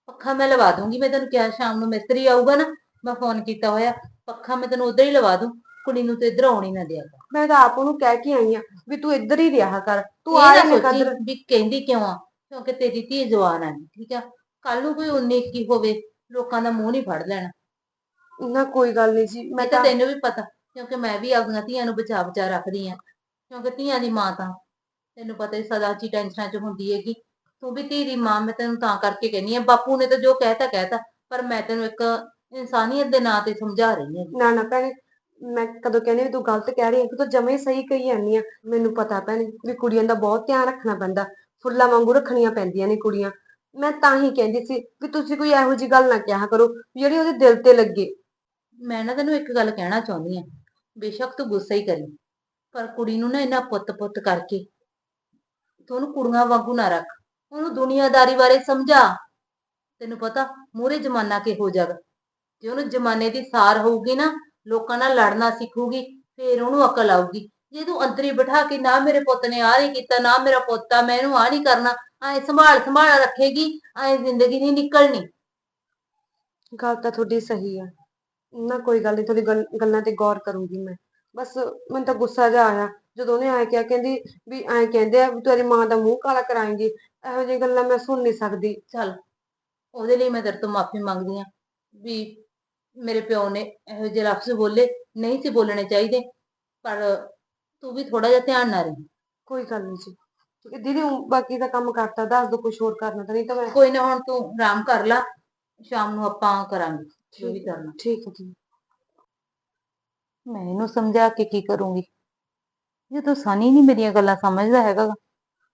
ਪੱਖਾ ਮੈਂ ਲਵਾ ਦੂੰਗੀ। ਮੈਂ ਤੈਨੂੰ ਕਿਹਾ ਸ਼ਾਮ ਨੂੰ ਮਿਸਤਰੀ ਆਊਗਾ ਨਾ, ਮੈਂ ਫੋਨ ਕੀਤਾ ਹੋਇਆ, ਪੱਖਾ ਮੈਂ ਤੈਨੂੰ ਉਧਰ ਹੀ ਲਵਾ ਦੂੰ। ਕੁੜੀ ਨੂੰ ਤੇ ਇੱਧਰ ਆਉਣੀ ਨਾ ਦਿਆ ਕਰ।
ਮੈਂ ਤਾਂ ਆਪ ਉਹਨੂੰ ਕਹਿ ਕੇ ਆਈ ਆ ਵੀ ਤੂੰ ਇੱਧਰ ਹੀ ਰਿਹਾ ਕਰ, ਤੂੰ
ਇਹ
ਆ
ਨਾ
ਜਾਇਆ
ਸੋਚੀ
ਕਰ।
ਵੀ ਕਹਿੰਦੀ ਕਿਉਂ ਆ, ਕਿਉਂਕਿ ਤੇਰੀ ਧੀ ਜਵਾਨ ਆ, ਠੀਕ ਆ। ਕੱਲ ਨੂੰ ਕੋਈ ਉਨੀ ਇੱਕੀ ਹੋਵੇ, ਲੋਕਾਂ ਦਾ ਮੂੰਹ ਨਹੀਂ ਫੜ ਲੈਣਾ।
ਨਾ ਕੋਈ ਗੱਲ ਨਹੀਂ ਜੀ, ਮੈਂ
ਇਹ ਤਾਂ
ਤਾਂ
ਤੈਨੂੰ ਵੀ ਪਤਾ, ਕਿਉਂਕਿ ਮੈਂ ਵੀ ਆਪਣੀਆਂ ਧੀਆਂ ਨੂੰ ਬਚਾ ਬਚਾ ਰੱਖਦੀ ਆ, ਕਿਉਂਕਿ ਧੀਆਂ ਦੀ ਮਾਂ ਤਾਂ ਤੈਨੂੰ ਪਤਾ ਹੀ ਸਦਾ ਚ ਟੈਨਸ਼ਨਾਂ ਚ ਹੁੰਦੀ ਹੈਗੀ। ਤੂੰ ਵੀ ਧੀ ਦੀ ਮਾਂ, ਮੈਂ ਤੈਨੂੰ ਤਾਂ ਕਰਕੇ ਕਹਿੰਦੀ ਆ। ਬਾਪੂ ਨੇ ਤਾਂ ਜੋ ਕਹਿਤਾ ਕਹਿਤਾ, ਪਰ ਮੈਂ ਤੈਨੂੰ ਇੱਕ ਇਨਸਾਨੀਅਤ ਦੇ ਨਾਂ ਤੇ ਸਮਝਾ ਰਹੀ ਹਾਂ।
ਨਾ ਨਾ ਭੈਣੇ, ਮੈਂ ਕਦੋਂ ਕਹਿੰਦੀ ਵੀ ਤੂੰ ਗਲਤ ਕਹਿ ਰਹੀ ਹੈ, ਤੂੰ ਤਾਂ ਜਮਾ ਹੀ ਸਹੀ ਕਹੀ ਜਾਂਦੀ ਆ। ਮੈਨੂੰ ਪਤਾ ਭੈਣੇ ਵੀ ਕੁੜੀਆਂ ਦਾ ਬਹੁਤ ਧਿਆਨ ਰੱਖਣਾ ਪੈਂਦਾ, ਫੁੱਲਾਂ ਵਾਂਗੂ ਰੱਖਣੀਆਂ ਪੈਂਦੀਆਂ ਨੇ ਕੁੜੀਆਂ। ਮੈਂ ਤਾਂ ਹੀ ਕਹਿੰਦੀ ਸੀ ਵੀ ਤੁਸੀਂ ਕੋਈ ਇਹੋ ਜਿਹੀ ਗੱਲ ਨਾ ਕਿਹਾ ਕਰੋ ਵੀ ਜਿਹੜੀ ਉਹਦੇ ਦਿਲ ਤੇ ਲੱਗੇ।
ਮੈਂ ਨਾ ਤੈਨੂੰ ਇੱਕ ਗੱਲ ਕਹਿਣਾ ਚਾਹੁੰਦੀ ਆ, ਬੇਸ਼ੱਕ ਤੂੰ ਗੁੱਸਾ ਹੀ ਕਰੀ, ਪਰ ਕੁੜੀ ਨੂੰ ਨਾ ਇਹਨਾਂ ਪੁੱਤ-ਪੁੱਤ ਕਰਕੇ ਤੂੰ ਉਹਨੂੰ ਕੁੜੀਆਂ ਵਾਂਗੂ ਨਾ ਰੱਖ। ਉਹਨੂੰ ਦੁਨੀਆਦਾਰੀ ਬਾਰੇ ਸਮਝਾ। ਤੈਨੂੰ ਪਤਾ ਮੂਹਰੇ ਜ਼ਮਾਨਾ ਕਿਹੋ ਜਾਗਾ, ਜੇ ਉਹਨੂੰ ਜ਼ਮਾਨੇ ਦੀ ਸਾਰ ਹੋਊਗੀ ਨਾ, ਲੋਕਾਂ ਨਾਲ ਲੜਨਾ ਸਿੱਖੂਗੀ, ਫੇਰ ਉਹਨੂੰ ਅਕਲ ਆਊਗੀ। ਜੇ ਤੂੰ ਅੰਦਰ ਹੀ ਬਿਠਾ ਕੇ ਨਾ ਮੇਰੇ ਪੁੱਤ ਨੇ ਆਹ ਨਹੀਂ ਕੀਤਾ, ਨਾ ਮੇਰਾ ਪੁੱਤ ਆ, ਮੈਂ ਇਹਨੂੰ ਆਹ ਨਹੀਂ ਕਰਨਾ, ਐ ਸੰਭਾਲ ਸੰਭਾਲ ਰੱਖੇਗੀ, ਐ ਜ਼ਿੰਦਗੀ ਨਹੀਂ ਨਿਕਲਣੀ।
ਗੱਲ ਤਾਂ ਤੁਹਾਡੀ ਸਹੀ ਆ। ਨਾ ਕੋਈ ਗੱਲ ਨਹੀਂ, ਤੁਹਾਡੀ ਗੱਲ- ਗੱਲਾਂ ਤੇ ਗੌਰ ਕਰੂੰਗੀ ਮੈਂ। ਬਸ ਮੈਨੂੰ ਤਾਂ ਗੁੱਸਾ ਜਿਹਾ ਆਇਆ ਜਦੋਂ ਉਹਨੇ ਐਂ ਕਿਹਾ, ਕਹਿੰਦੀ ਵੀ ਐਂ ਕਹਿੰਦੇ ਆ ਵੀ ਤੇਰੀ ਮਾਂ ਦਾ ਮੂੰਹ ਕਾਲਾ ਕਰਾਏਂਗੀ। ਇਹੋ ਜਿਹੀਆਂ ਗੱਲਾਂ ਮੈਂ ਸੁਣ ਨਹੀਂ ਸਕਦੀ।
ਚੱਲ, ਉਹਦੇ ਲਈ ਮੈਂ ਤੇਰੇ ਤੋਂ ਮਾਫੀ ਮੰਗਦੀ ਆ ਵੀ ਮੇਰੇ ਪਿਓ ਨੇ ਇਹੋ ਜਿਹੇ ਲਫ਼ਜ਼ ਬੋਲੇ, ਨਹੀਂ ਸੀ ਬੋਲਣੇ ਚਾਹੀਦੇ, ਪਰ ਤੂੰ ਵੀ ਥੋੜਾ ਜਿਹਾ ਧਿਆਨ ਨਾਲ ਰਹੀ।
ਕੋਈ ਗੱਲ ਨਹੀਂ ਜੀ, ਠੀਕ ਹੈ ਦੀਦੀ। ਊਂ ਬਾਕੀ ਦਾ ਕੰਮ ਕਰਤਾ, ਦੱਸ ਦੋ ਕੁਝ ਹੋਰ ਕਰਨਾ ਤਾਂ, ਨਹੀਂ ਤਾਂ ਮੈਂ
ਕੋਈ ਨਾ, ਹੁਣ ਤੂੰ ਆਰਾਮ ਕਰ ਲੈ, ਸ਼ਾਮ ਨੂੰ ਆਪਾਂ ਕਰਾਂਗੇ ਜੋ ਵੀ
ਠੀਕ
ਕਰਨਾ।
ਠੀਕ ਹੈ ਜੀ।
ਮੈਂ ਇਹਨੂੰ ਸਮਝਾ ਕੇ ਕੀ ਕਰੂੰਗੀ, ਜਦੋਂ ਸਨੀ ਨਹੀਂ ਮੇਰੀਆਂ ਗੱਲਾਂ ਸਮਝਦਾ ਹੈਗਾ ਗਾ।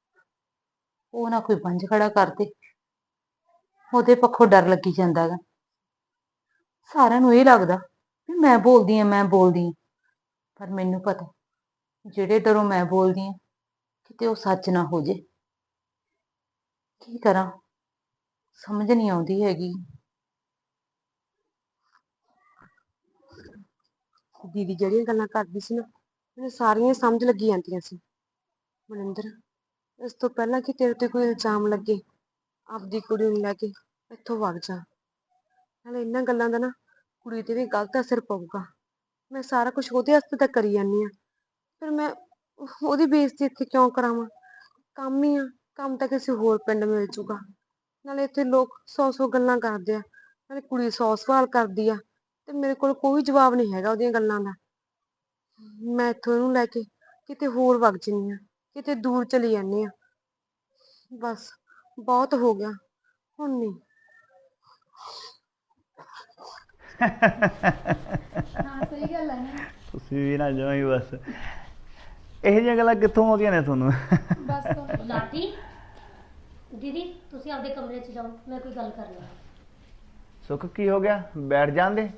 ਉਹ ਨਾ ਕੋਈ ਬੰਜ ਖੜਾ ਕਰਦੇ, ਉਹਦੇ ਪੱਖੋਂ ਡਰ ਲੱਗੀ ਜਾਂਦਾ ਗਾ। ਸਾਰਿਆਂ ਨੂੰ ਇਹ ਲੱਗਦਾ ਵੀ ਮੈਂ ਬੋਲਦੀ ਆ, ਮੈਂ ਬੋਲਦੀ ਆ, ਪਰ ਮੈਨੂੰ ਪਤਾ ਜਿਹੜੇ ਡਰੋਂ ਮੈਂ ਬੋਲਦੀ ਆ, ਕਿਤੇ ਉਹ ਸੱਚ ਨਾ ਹੋ ਜੇ। ਕੀ ਕਰਾਂ, ਸਮਝ ਨਹੀਂ ਆਉਂਦੀ ਹੈਗੀ।
ਦੀਦੀ ਜਿਹੜੀਆਂ ਗੱਲਾਂ ਕਰਦੀ ਸੀ ਨਾ, ਮੈਨੂੰ ਸਾਰੀਆਂ ਸਮਝ ਲੱਗੀ ਜਾਂਦੀਆਂ ਸੀ। ਮਨਿੰਦਰ, ਇਸ ਤੋਂ ਪਹਿਲਾਂ ਕਿ ਤੇਰੇ ਤੇ ਕੋਈ ਇਲਜ਼ਾਮ ਲੱਗੇ, ਆਪਦੀ ਕੁੜੀ ਨੂੰ ਲੈ ਕੇ ਇੱਥੋਂ ਵਗ ਜਾ। ਨਾਲੇ ਇਹਨਾਂ ਗੱਲਾਂ ਦਾ ਨਾ ਕੁੜੀ ਤੇ ਵੀ ਗਲਤ ਅਸਰ ਪਊਗਾ। ਮੈਂ ਸਾਰਾ ਕੁਝ ਉਹਦੇ ਵਾਸਤੇ ਤਾਂ ਕਰੀ ਜਾਂਦੀ ਆ, ਫਿਰ ਮੈਂ ਉਹਦੀ ਬੇਇੱਜ਼ਤੀ ਇੱਥੇ ਕਿਉਂ ਕਰਾਵਾਂ? ਕੰਮ ਹੀ ਆ, ਕੰਮ ਤਾਂ ਕਿਸੇ ਹੋਰ ਪਿੰਡ ਮਿਲ ਜੂਗਾ। ਨਾਲੇ ਇੱਥੇ ਲੋਕ ਸੌ ਸੌ ਗੱਲਾਂ ਕਰਦੇ ਆ, ਨਾਲੇ ਕੁੜੀ ਸੌ ਸਵਾਲ ਕਰਦੀ ਆ, ਤੇ ਮੇਰੇ ਕੋਲ ਕੋਈ ਜਵਾਬ ਨਹੀਂ ਹੈਗਾ ਉਹਦੀਆਂ ਗੱਲਾਂ ਦਾ। ਮੈਂ ਇੱਥੋਂ ਇਹਨੂੰ ਲੈ ਕੇ ਕਿਤੇ ਹੋਰ ਵਗ ਜਾਂਦੀ ਆ, ਕਿਤੇ ਦੂਰ ਚਲੀ ਜਾਂਦੀ ਆ। ਬਸ ਬਹੁਤ ਹੋ ਗਿਆ, ਹੁਣ ਨਹੀਂ।
ਹਾਂ ਸਹੀ ਗੱਲ ਹੈ ਨਾ।
ਤੁਸੀਂ ਵੀ ਨਾ ਜਾਓ ਹੀ ਬਸ, ਇਹੋ ਜਿਹੀਆਂ ਗੱਲਾਂ ਕਿੱਥੋਂ ਆਉਂਦੀਆਂ ਨੇ ਤੁਹਾਨੂੰ?
ਬਸ
ਲਾਡੀ, ਦੀਦੀ ਤੁਸੀਂ ਆਪਦੇ ਕਮਰੇ 'ਚ ਜਾਓ, ਮੈਂ ਕੋਈ ਗੱਲ ਕਰਨੀ ਹੈ।
ਸੁੱਖ ਕੀ ਹੋ ਗਿਆ, ਬੈਠ ਜਾਂਦੇ।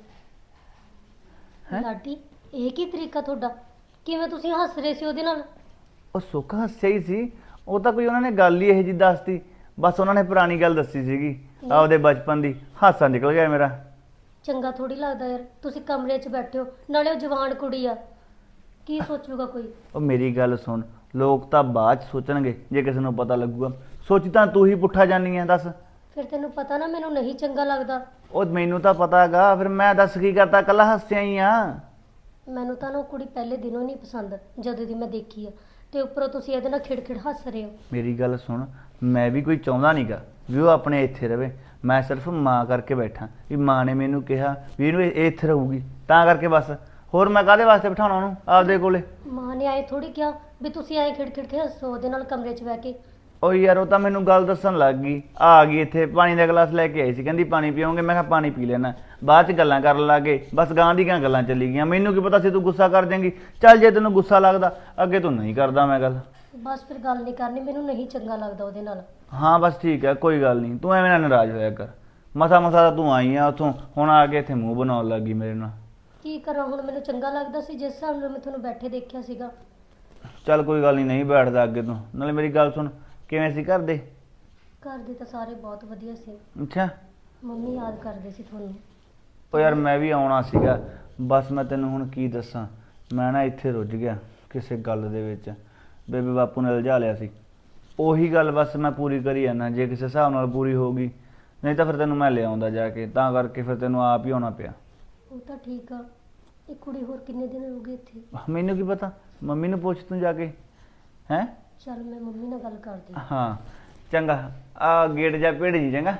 ਲਾਡੀ, ਇਹ ਕੀ ਤਰੀਕਾ ਤੁਹਾਡਾ? ਕਿਵੇਂ ਤੁਸੀਂ ਹੱਸ ਰਹੇ ਸੀ ਉਹਦੇ ਨਾਲ?
ਉਹ ਸੁੱਖ ਹੱਸਿਆ ਹੀ ਸੀ, ਉਹ ਤਾਂ ਕੋਈ ਉਹਨਾਂ ਨੇ ਗੱਲ ਹੀ ਇਹੋ ਜਿਹੀ ਦੱਸਤੀ, ਬਸ ਉਹਨਾਂ ਨੇ ਪੁਰਾਣੀ ਗੱਲ ਦੱਸੀ ਸੀਗੀ ਆਪਦੇ ਬਚਪਨ ਦੀ, ਹਾਸਾ ਨਿਕਲ ਗਿਆ ਮੇਰਾ।
ਚੰਗਾ ਥੋੜੀ ਲੱਗਦਾ ਯਾਰ, ਤੁਸੀਂ ਕਮਰੇ 'ਚ ਬੈਠੇ ਹੋ, ਨਾਲੇ ਉਹ ਜਵਾਨ ਕੁੜੀ ਆ, ਕੀ ਸੋਚੂਗਾ ਕੋਈ?
ਉਹ ਮੇਰੀ ਗੱਲ ਸੁਣ, ਲੋਕ ਤਾਂ ਬਾਅਦ ਚ ਸੋਚਣਗੇ ਜੇ ਕਿਸੇ ਨੂੰ ਪਤਾ ਲੱਗੂਗਾ। ਸੋਚੀ ਤਾਂ ਤੂੰ ਹੀ ਪੁੱਠਾ ਜਾਨੀ ਹੈ, ਦੱਸ।
ਫਿਰ ਤੈਨੂੰ ਪਤਾ ਨਾ ਮੈਨੂੰ ਨਹੀਂ ਚੰਗਾ ਲੱਗਦਾ।
ਉਹ ਮੈਨੂੰ ਤਾਂ ਪਤਾ ਹੈਗਾ, ਫਿਰ ਮੈਂ ਦੱਸ ਕੀ ਕਰਤਾ, ਇਕੱਲਾ ਹੱਸਿਆ ਹੀ ਆ।
ਮੈਨੂੰ ਤਾਂ ਨਾ ਉਹ ਕੁੜੀ ਪਹਿਲੇ ਦਿਨੋਂ ਨਹੀਂ ਪਸੰਦ, ਜਦੋਂ ਦੀ ਮੈਂ ਦੇਖੀ ਆ, ਤੇ ਉੱਪਰੋਂ ਤੁਸੀਂ ਇਹਦੇ ਨਾਲ ਖਿੜਖਿੜ ਹੱਸ ਰਹੇ ਹੋ।
ਮੇਰੀ ਗੱਲ ਸੁਣ, ਮੈਂ ਵੀ ਕੋਈ ਚਾਹੁੰਦਾ ਨਹੀਂਗਾ ਵੀ ਉਹ ਆਪਣੇ ਇੱਥੇ ਰਵੇ, ਮੈਂ ਸਿਰਫ ਮਾਂ ਕਰਕੇ ਬੈਠਾ ਵੀ ਮਾਂ ਨੇ ਮੈਨੂੰ ਕਿਹਾ ਵੀ ਇਹਨੂੰ ਇਹ ਇੱਥੇ ਰਹੂਗੀ, ਤਾਂ ਕਰਕੇ ਬਸ। ਹੋਰ ਮੈਂ ਕਾਹਦੇ ਵਾਸਤੇ ਬਿਠਾਉਣਾ ਉਹਨੂੰ ਆਪਦੇ ਕੋਲੇ?
ਮਾਂ ਨੇ ਆਏ ਥੋੜੀ ਕਿਹਾ ਵੀ ਤੁਸੀਂ ਆਏ ਖਿੜਖਿੜ ਕੇ ਹੱਸੋ ਉਹਦੇ ਨਾਲ ਕਮਰੇ 'ਚ ਬਹਿ ਕੇ।
ਉਹ ਯਾਰ ਉਹ ਤਾਂ ਮੈਨੂੰ ਗੱਲ ਦੱਸਣ ਲੱਗ ਗਈ, ਆ ਗਈ ਇੱਥੇ ਪਾਣੀ ਦਾ ਗਲਾਸ ਲੈ ਕੇ ਆਈ ਸੀ, ਕਹਿੰਦੀ ਪਾਣੀ ਪੀਓਗੇ, ਮੈਂ ਕਿਹਾ ਪਾਣੀ ਪੀ ਲੈਣਾ। ਬਾਅਦ ਚ ਗੱਲਾਂ ਕਰਨ ਲੱਗ ਗਏ, ਬਸ ਗਾਂ ਦੀ ਗਾਂ ਗੱਲਾਂ ਚੱਲੀ ਗਈਆਂ। ਮੈਨੂੰ ਕੀ ਪਤਾ ਸੀ ਤੂੰ ਗੁੱਸਾ ਕਰ ਜਾਏਂਗੀ। ਚੱਲ ਜੇ ਤੈਨੂੰ ਗੁੱਸਾ ਲੱਗਦਾ, ਅੱਗੇ ਤੂੰ ਨਹੀਂ ਕਰਦਾ ਮੈਂ ਗੱਲ।
ਬਸ ਫਿਰ ਗੱਲ ਨਹੀਂ ਕਰਨੀ, ਮੈਨੂੰ ਨਹੀਂ ਚੰਗਾ ਲੱਗਦਾ ਉਹਦੇ ਨਾਲ।
ਹਾਂ ਬਸ ਠੀਕ ਹੈ, ਕੋਈ ਗੱਲ ਨਹੀਂ, ਤੂੰ ਐਵੇਂ ਨਾ ਨਾਰਾਜ਼ ਹੋਇਆ ਕਰ। ਮਸਾ ਮਸਾ ਤਾਂ ਤੂੰ ਆਈ ਆ ਉੱਥੋਂ, ਹੁਣ ਆ ਕੇ ਇੱਥੇ ਮੂੰਹ ਬਣਾਉਣ ਲੱਗ ਗਈ ਮੇਰੇ ਨਾਲ।
ਕੀ ਕਰਾਂ ਹੁਣ, ਮੈਨੂੰ ਚੰਗਾ ਲੱਗਦਾ ਸੀ ਜਿਸ ਹਿਸਾਬ ਨਾਲ ਮੈਂ ਤੁਹਾਨੂੰ ਬੈਠੇ ਦੇਖਿਆ ਸੀਗਾ।
ਚੱਲ ਕੋਈ ਗੱਲ ਨਹੀਂ, ਨਹੀਂ ਬੈਠਦਾ ਅੱਗੇ ਤੋਂ। ਨਾਲੇ ਮੇਰੀ ਗੱਲ ਸੁਣ, ਕਿਵੇਂ ਸੀ ਘਰ ਦੇ?
ਘਰ ਦੇ ਤਾਂ ਸਾਰੇ ਬਹੁਤ ਵਧੀਆ ਸੀ।
ਅੱਛਾ,
ਮੰਮੀ ਯਾਦ ਕਰਦੇ ਸੀ ਤੁਹਾਨੂੰ।
ਉਹ ਯਾਰ ਮੈਂ ਵੀ ਆਉਣਾ ਸੀਗਾ, ਬਸ ਮੈਂ ਤੈਨੂੰ ਹੁਣ ਕੀ ਦੱਸਾਂ, ਮੈਂ ਨਾ ਇੱਥੇ ਰੁੱਝ ਗਿਆ ਕਿਸੇ ਗੱਲ ਦੇ ਵਿੱਚ। ਬੇਬੇ ਬਾਪੂ ਨੇ ਉਲਝਾ ਲਿਆ ਸੀ, ਉਹੀ ਗੱਲ ਬਸ ਮੈਂ ਪੂਰੀ ਕਰੀ ਜਾਂਦਾ। ਜੇ ਕਿਸੇ ਹਿਸਾਬ ਨਾਲ ਪੂਰੀ ਹੋਊਗੀ ਨਹੀਂ ਤਾਂ ਫਿਰ ਤੈਨੂੰ ਮੈਂ ਲਿਆਉਂਦਾ ਜਾ ਕੇ, ਤਾਂ ਕਰਕੇ ਫਿਰ ਤੈਨੂੰ ਆਪ ਹੀ ਆਉਣਾ ਪਿਆ।
ਉਹ ਤਾਂ ਠੀਕ ਆ, ਇਹ ਕੁੜੀ ਹੋਰ ਕਿੰਨੇ ਦਿਨ ਹੋ ਗਏ ਇੱਥੇ?
ਮੈਨੂੰ ਕੀ ਪਤਾ, ਮੰਮੀ ਨੂੰ ਪੁੱਛ ਤੂੰ ਜਾ ਕੇ। ਹੈਂ
ਚੱਲ ਮੈਂ ਮੰਮੀ ਨਾਲ ਗੱਲ ਕਰਦੀ ਹਾਂ।
ਹਾਂ ਚੰਗਾ, ਆ ਗੇਟ ਜਾ ਭੇੜ ਜੀ ਚੰਗਾ।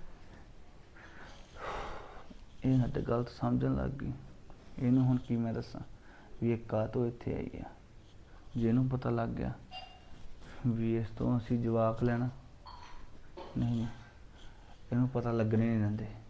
ਇਹ ਹੱਦ ਗਲਤ ਸਮਝਣ ਲੱਗ ਗਈ। ਇਹਨੂੰ ਹੁਣ ਕੀ ਮੈਂ ਦੱਸਾਂ ਵੀ ਇਹ ਕਾਹਤੋਂ ਇੱਥੇ ਆਈ ਆ। ਜੇ ਇਹਨੂੰ ਪਤਾ ਲੱਗ ਗਿਆ ਵੀ ਇਸ ਤੋਂ ਅਸੀਂ ਜਵਾਕ ਲੈਣਾ, ਨਹੀਂ ਇਹਨੂੰ ਪਤਾ ਲੱਗਣੇ ਨਹੀਂ ਦਿੰਦੇ।